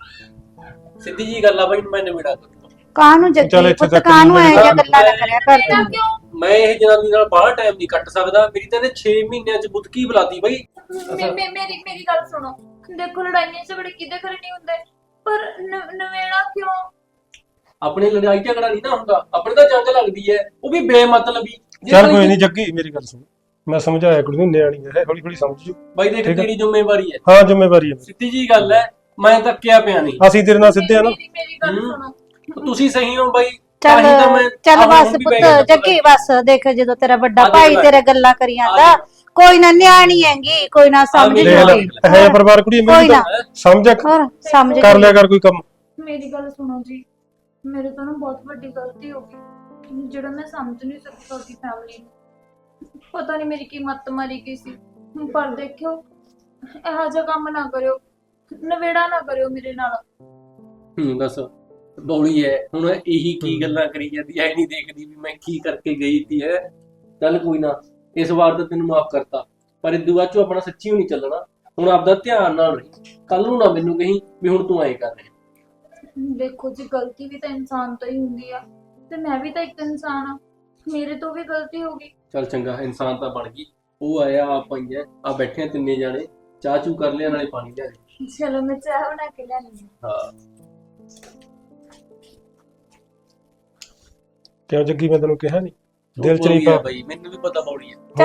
ਸਿੱਧੀ ਜੀ ਗੱਲ ਆ ਬਈ, ਮੈਂ ਨਿਬੇੜਾ ਕਰੂੰਗਾ।
ਕਾਹਨੂੰ
ਚੱਲ
ਜੱਗੀ
ਇੱਥੇ
ਪੁੱਤ,
ਤੱਕ
ਕਾਹਨੂੰ
ਨਹੀਂ
ਐ ਜਿਹਾ
ਮਿਲਦਾ।
ਗੱਲਾਂ ਨਾ ਕਰਿਆ ਕਰ
ਮੇਰਾ
ਤੂੰ।
ਕਿਉਂ?
ਮੈਂ ਇਹ ਜਨਾਨੀ ਨਾਲ ਬਾਹਲਾ ਟਾਈਮ ਨਹੀਂ ਕੱਟ ਸਕਦਾ। ਮੇਰੀ ਤਾਂ ਇਹਨੇ 6 ਮਹੀਨਿਆਂ ਚ ਬੁੱਧਕੀ ਬੁਲਾਤੀ ਬਈ।
ਮੇਰੀ ਗੱਲ ਸੁਣੋ, ਦੇਖੋ ਲੜਾਈਆਂ ਝਗੜੇ ਕਿਹਦੇ ਘਰੇ ਨਹੀਂ ਹੁੰਦੇ, ਪਰ ਨਵੇੜਾ ਕਿਉਂ?
ਆਪਣੇ ਲੜਾਈ ਝਗੜਾ ਨਹੀਂ ਨਾ ਹੁੰਦਾ, ਆਪਣੇ ਤਾਂ ਜੰਗ ਲੱਗਦੀ ਹੈ, ਉਹ ਵੀ ਬੇਮਤਲਬੀ।
ਚੱਲ ਕੋਈ ਨਹੀਂ ਜੱਗੀ, ਮੇਰੀ ਗੱਲ ਸੁਣ, ਮੈਂ ਸਮਝਾਇਆ ਕੁੜੀ ਨੂੰ, ਨਿਆਣੀ ਹੈ, ਹੌਲੀ ਹੌਲੀ ਸਮਝ ਜੂ।
ਬਾਈ ਦੇਖ ਤੇਰੀ ਜ਼ਿੰਮੇਵਾਰੀ ਹੈ,
ਹਾਂ ਜ਼ਿੰਮੇਵਾਰੀ ਹੈ।
ਸਿੱਧੀ ਜੀ ਗੱਲ ਹੈ। ਮੈਂ ਧੱਕਿਆ ਪਿਆ ਨਹੀਂ।
ਅਸੀਂ ਤੇਰੇ ਨਾਲ ਸਿੱਧੇ ਆ ਨਾ।
ਮੇਰੀ ਗੱਲ ਸੁਣੋ,
ਤੁਸੀਂ ਸਹੀ ਹੋ ਬਾਈ।
ਚੱਲ
ਤਾਂ ਹੀ ਤਾਂ ਮੈਂ
ਚੱਲ
ਆਹ
ਬਸ
ਹੁਣ ਵੀ
ਪੁੱਤ,
ਬਹਿ ਗਿਆ
ਜੱਗੀ ਬਸ ਦੇਖ, ਜਦੋਂ ਤੇਰਾ ਵੱਡਾ
ਆ ਦੇਖ
ਭਾਈ
ਲੈ।
ਤੇਰੇ ਗੱਲਾਂ ਕਰੀ ਜਾਂਦਾ,
ਆ ਦੇਖ।
ਕੋਈ ਨਾ, ਨਿਆਣੀ ਹੈਗੀ, ਕੋਈ ਨਾ ਸਮਝ
ਦੇਖ
ਦੇਖ ਲੈ,
ਜੂਗੀ।
ਹੈ ਪਰਿਵਾਰ ਕੁੜੀ
ਕੋਈ
ਮੇਰੀ
ਨਾ।
ਤਾਂ ਸਮਝ
ਹੋਰ ਸਮਝ
ਕਰ ਲਿਆ
ਜੂਗੀ।
ਕਰ ਕੋਈ ਕੰਮ।
ਮੇਰੀ ਗੱਲ ਸੁਣੋ ਜੀ, ਮੇਰੇ ਤੋਂ ਨਾ ਬਹੁਤ ਵੱਡੀ ਗਲਤੀ ਹੋ ਗਈ, ਜਿਹੜਾ ਮੈਂ ਸਮਝ ਨਹੀਂ ਸਕੀ ਤੁਹਾਡੀ ਫੈਮਿਲੀ ਨੂੰ। ਪਤਾ ਨਹੀਂ ਮੇਰੀ ਕੀ ਮੱਤ ਮਾਰੀ ਗਈ ਸੀ, ਪਰ ਦੇਖਿਓ ਇਹੋ ਜਿਹਾ ਕੰਮ ਨਾ ਕਰਿਓ, ਨਵੇੜਾ ਨਾ ਕਰਿਓ ਮੇਰੇ ਨਾਲ।
ਦੱਸ ਬੌਲੀ ਹੈ ਹੁਣ, ਇਹੀ ਕੀ ਗੱਲਾਂ ਕਰੀ ਜਾਂਦੀ ਐ, ਨਹੀਂ ਦੇਖਦੀ ਵੀ ਮੈਂ ਕੀ ਕਰਕੇ ਗਈ ਤੀ ਹੈ। ਚੱਲ ਕੋਈ ਨਾ, ਇਸ ਵਾਰ ਤਾਂ ਤੈਨੂੰ ਮਾਫ ਕਰਤਾ, ਪਰ ਇਦੋਂ ਬਾਅਦ ਚੋਂ ਆਪਣਾ ਸੱਚੀ ਹੋਣੀ ਚੱਲਣਾ। ਹੁਣ ਆਪਦਾ ਧਿਆਨ ਨਾਲ ਰਹੀ, ਕੱਲ ਨੂੰ ਨਾ ਮੈਨੂੰ ਕਹੀਂ ਵੀ ਹੁਣ ਤੂੰ ਐਂ ਕਰ ਰਿਹਾ।
ਦੇਖੋ ਜੀ, ਗਲਤੀ ਵੀ ਤਾਂ ਇਨਸਾਨ ਤੋਂ ਹੀ ਹੁੰਦੀ ਆ, ਤੇ ਮੈਂ ਵੀ ਤਾਂ ਇੱਕ ਇਨਸਾਨ ਆ, ਮੇਰੇ ਤੋਂ ਵੀ ਗਲਤੀ ਹੋ ਗਈ।
ਚੱਲ ਚੰਗਾ, ਇਨਸਾਨ ਤਾਂ ਬਣ ਗਈ। ਉਹ ਆਇਆ, ਆਪ ਆਈਆਂ, ਆ ਬੈਠੇ ਤਿੰਨੇ ਜਾਣੇ, ਚਾਹ ਚੂ ਕਰ ਲਿਆ, ਨਾਲੇ ਪਾਣੀ ਲਿਆ ਦੇ।
ਚਲੋ ਮੈਂ ਚਾਹ ਬਣਾ ਕੇ ਲਿਆਉਂਦੀ ਹਾਂ।
ਹਾਂ
ਕਿਉਂ ਜੱਗੀ, ਮੈਂ ਤੈਨੂੰ ਕਿਹਾ ਨਹੀਂ, ਦਿਲ ਚ
ਬੌਲੀ
ਨਹੀਂ
ਹੈ
ਪਾ।
ਬਈ, ਮੈਨੂੰ ਵੀ ਪਤਾ ਬੌਲੀ ਹੈ।
ਚਲੋ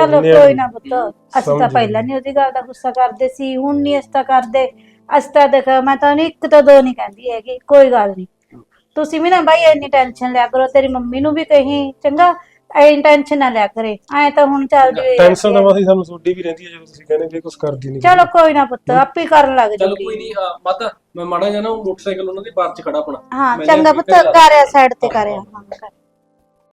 ਹੁਣ
ਕੋਈ ਨਾ ਪੁੱਤ,
ਨਿਆਣੀ
ਅਸੀਂ ਤਾਂ
ਸਮਝ
ਪਹਿਲਾਂ ਨਹੀਂ ਉਹਦੀ ਗੱਲ ਦਾ ਗੁੱਸਾ ਕਰਦੇ ਸੀ, ਹੁਣ ਨਹੀਂ ਅਸੀਂ ਤਾਂ ਕਰਦੇ। ਅਸੀਂ ਤਾਂ ਦੇਖ, ਮੈਂ ਤਾਂ ਨਹੀਂ ਇੱਕ ਤੋਂ ਦੋ ਨਹੀਂ ਕਹਿੰਦੀ ਹੈਗੀ, ਕੋਈ ਗੱਲ ਨਹੀਂ। ਤੁਸੀਂ ਵੀ ਨਾ ਬਾਈ ਇੰਨੀ ਟੈਨਸ਼ਨ ਲਿਆ ਕਰੋ, ਤੇਰੀ ਮੰਮੀ ਨੂੰ ਵੀ ਕਹੀ ਚੰਗਾ, ਐਂ ਟੈਨਸ਼ਨ ਨਾ ਲਿਆ ਕਰੇ, ਐਂ ਤਾਂ ਹੁਣ ਚੱਲਦੀ ਹੋਈ
ਟੈਨਸ਼ਨ ਤਾਂ ਮਾਸੀ ਸਾਨੂੰ ਤੁਹਾਡੀ ਵੀ ਰਹਿੰਦੀ ਹੈ ਜਦੋਂ ਤੁਸੀਂ ਕਹਿੰਦੇ ਵੀ ਕੁਝ ਕਰਦੀ ਨਹੀਂ।
ਚਲੋ ਕੋਈ ਨਾ ਪੁੱਤ, ਆਪੇ ਕਰਨ ਲੱਗ
ਚਲ
ਜੂਗੀ।
ਕੋਈ ਨਹੀਂ ਮਾਤਾ ਮੈਂ ਮਾੜਾ ਜਿਹਾ ਨਾ ਮੋਟਰਸਾਈਕਲ ਉਹਨਾਂ ਦੀ ਬਾਹਰ ਚ ਖੜਾ ਆਪਣਾ
ਹਾਂ
ਮੈਂ
ਚੰਗਾ
ਲਿਆ
ਪੁੱਤ,
ਕੇ ਘਰੇ ਲਾ
ਕਰਿਆ ਸਾਈਡ ਤੇ ਕਰਿਆ। ਹਾਂ ਕਰ।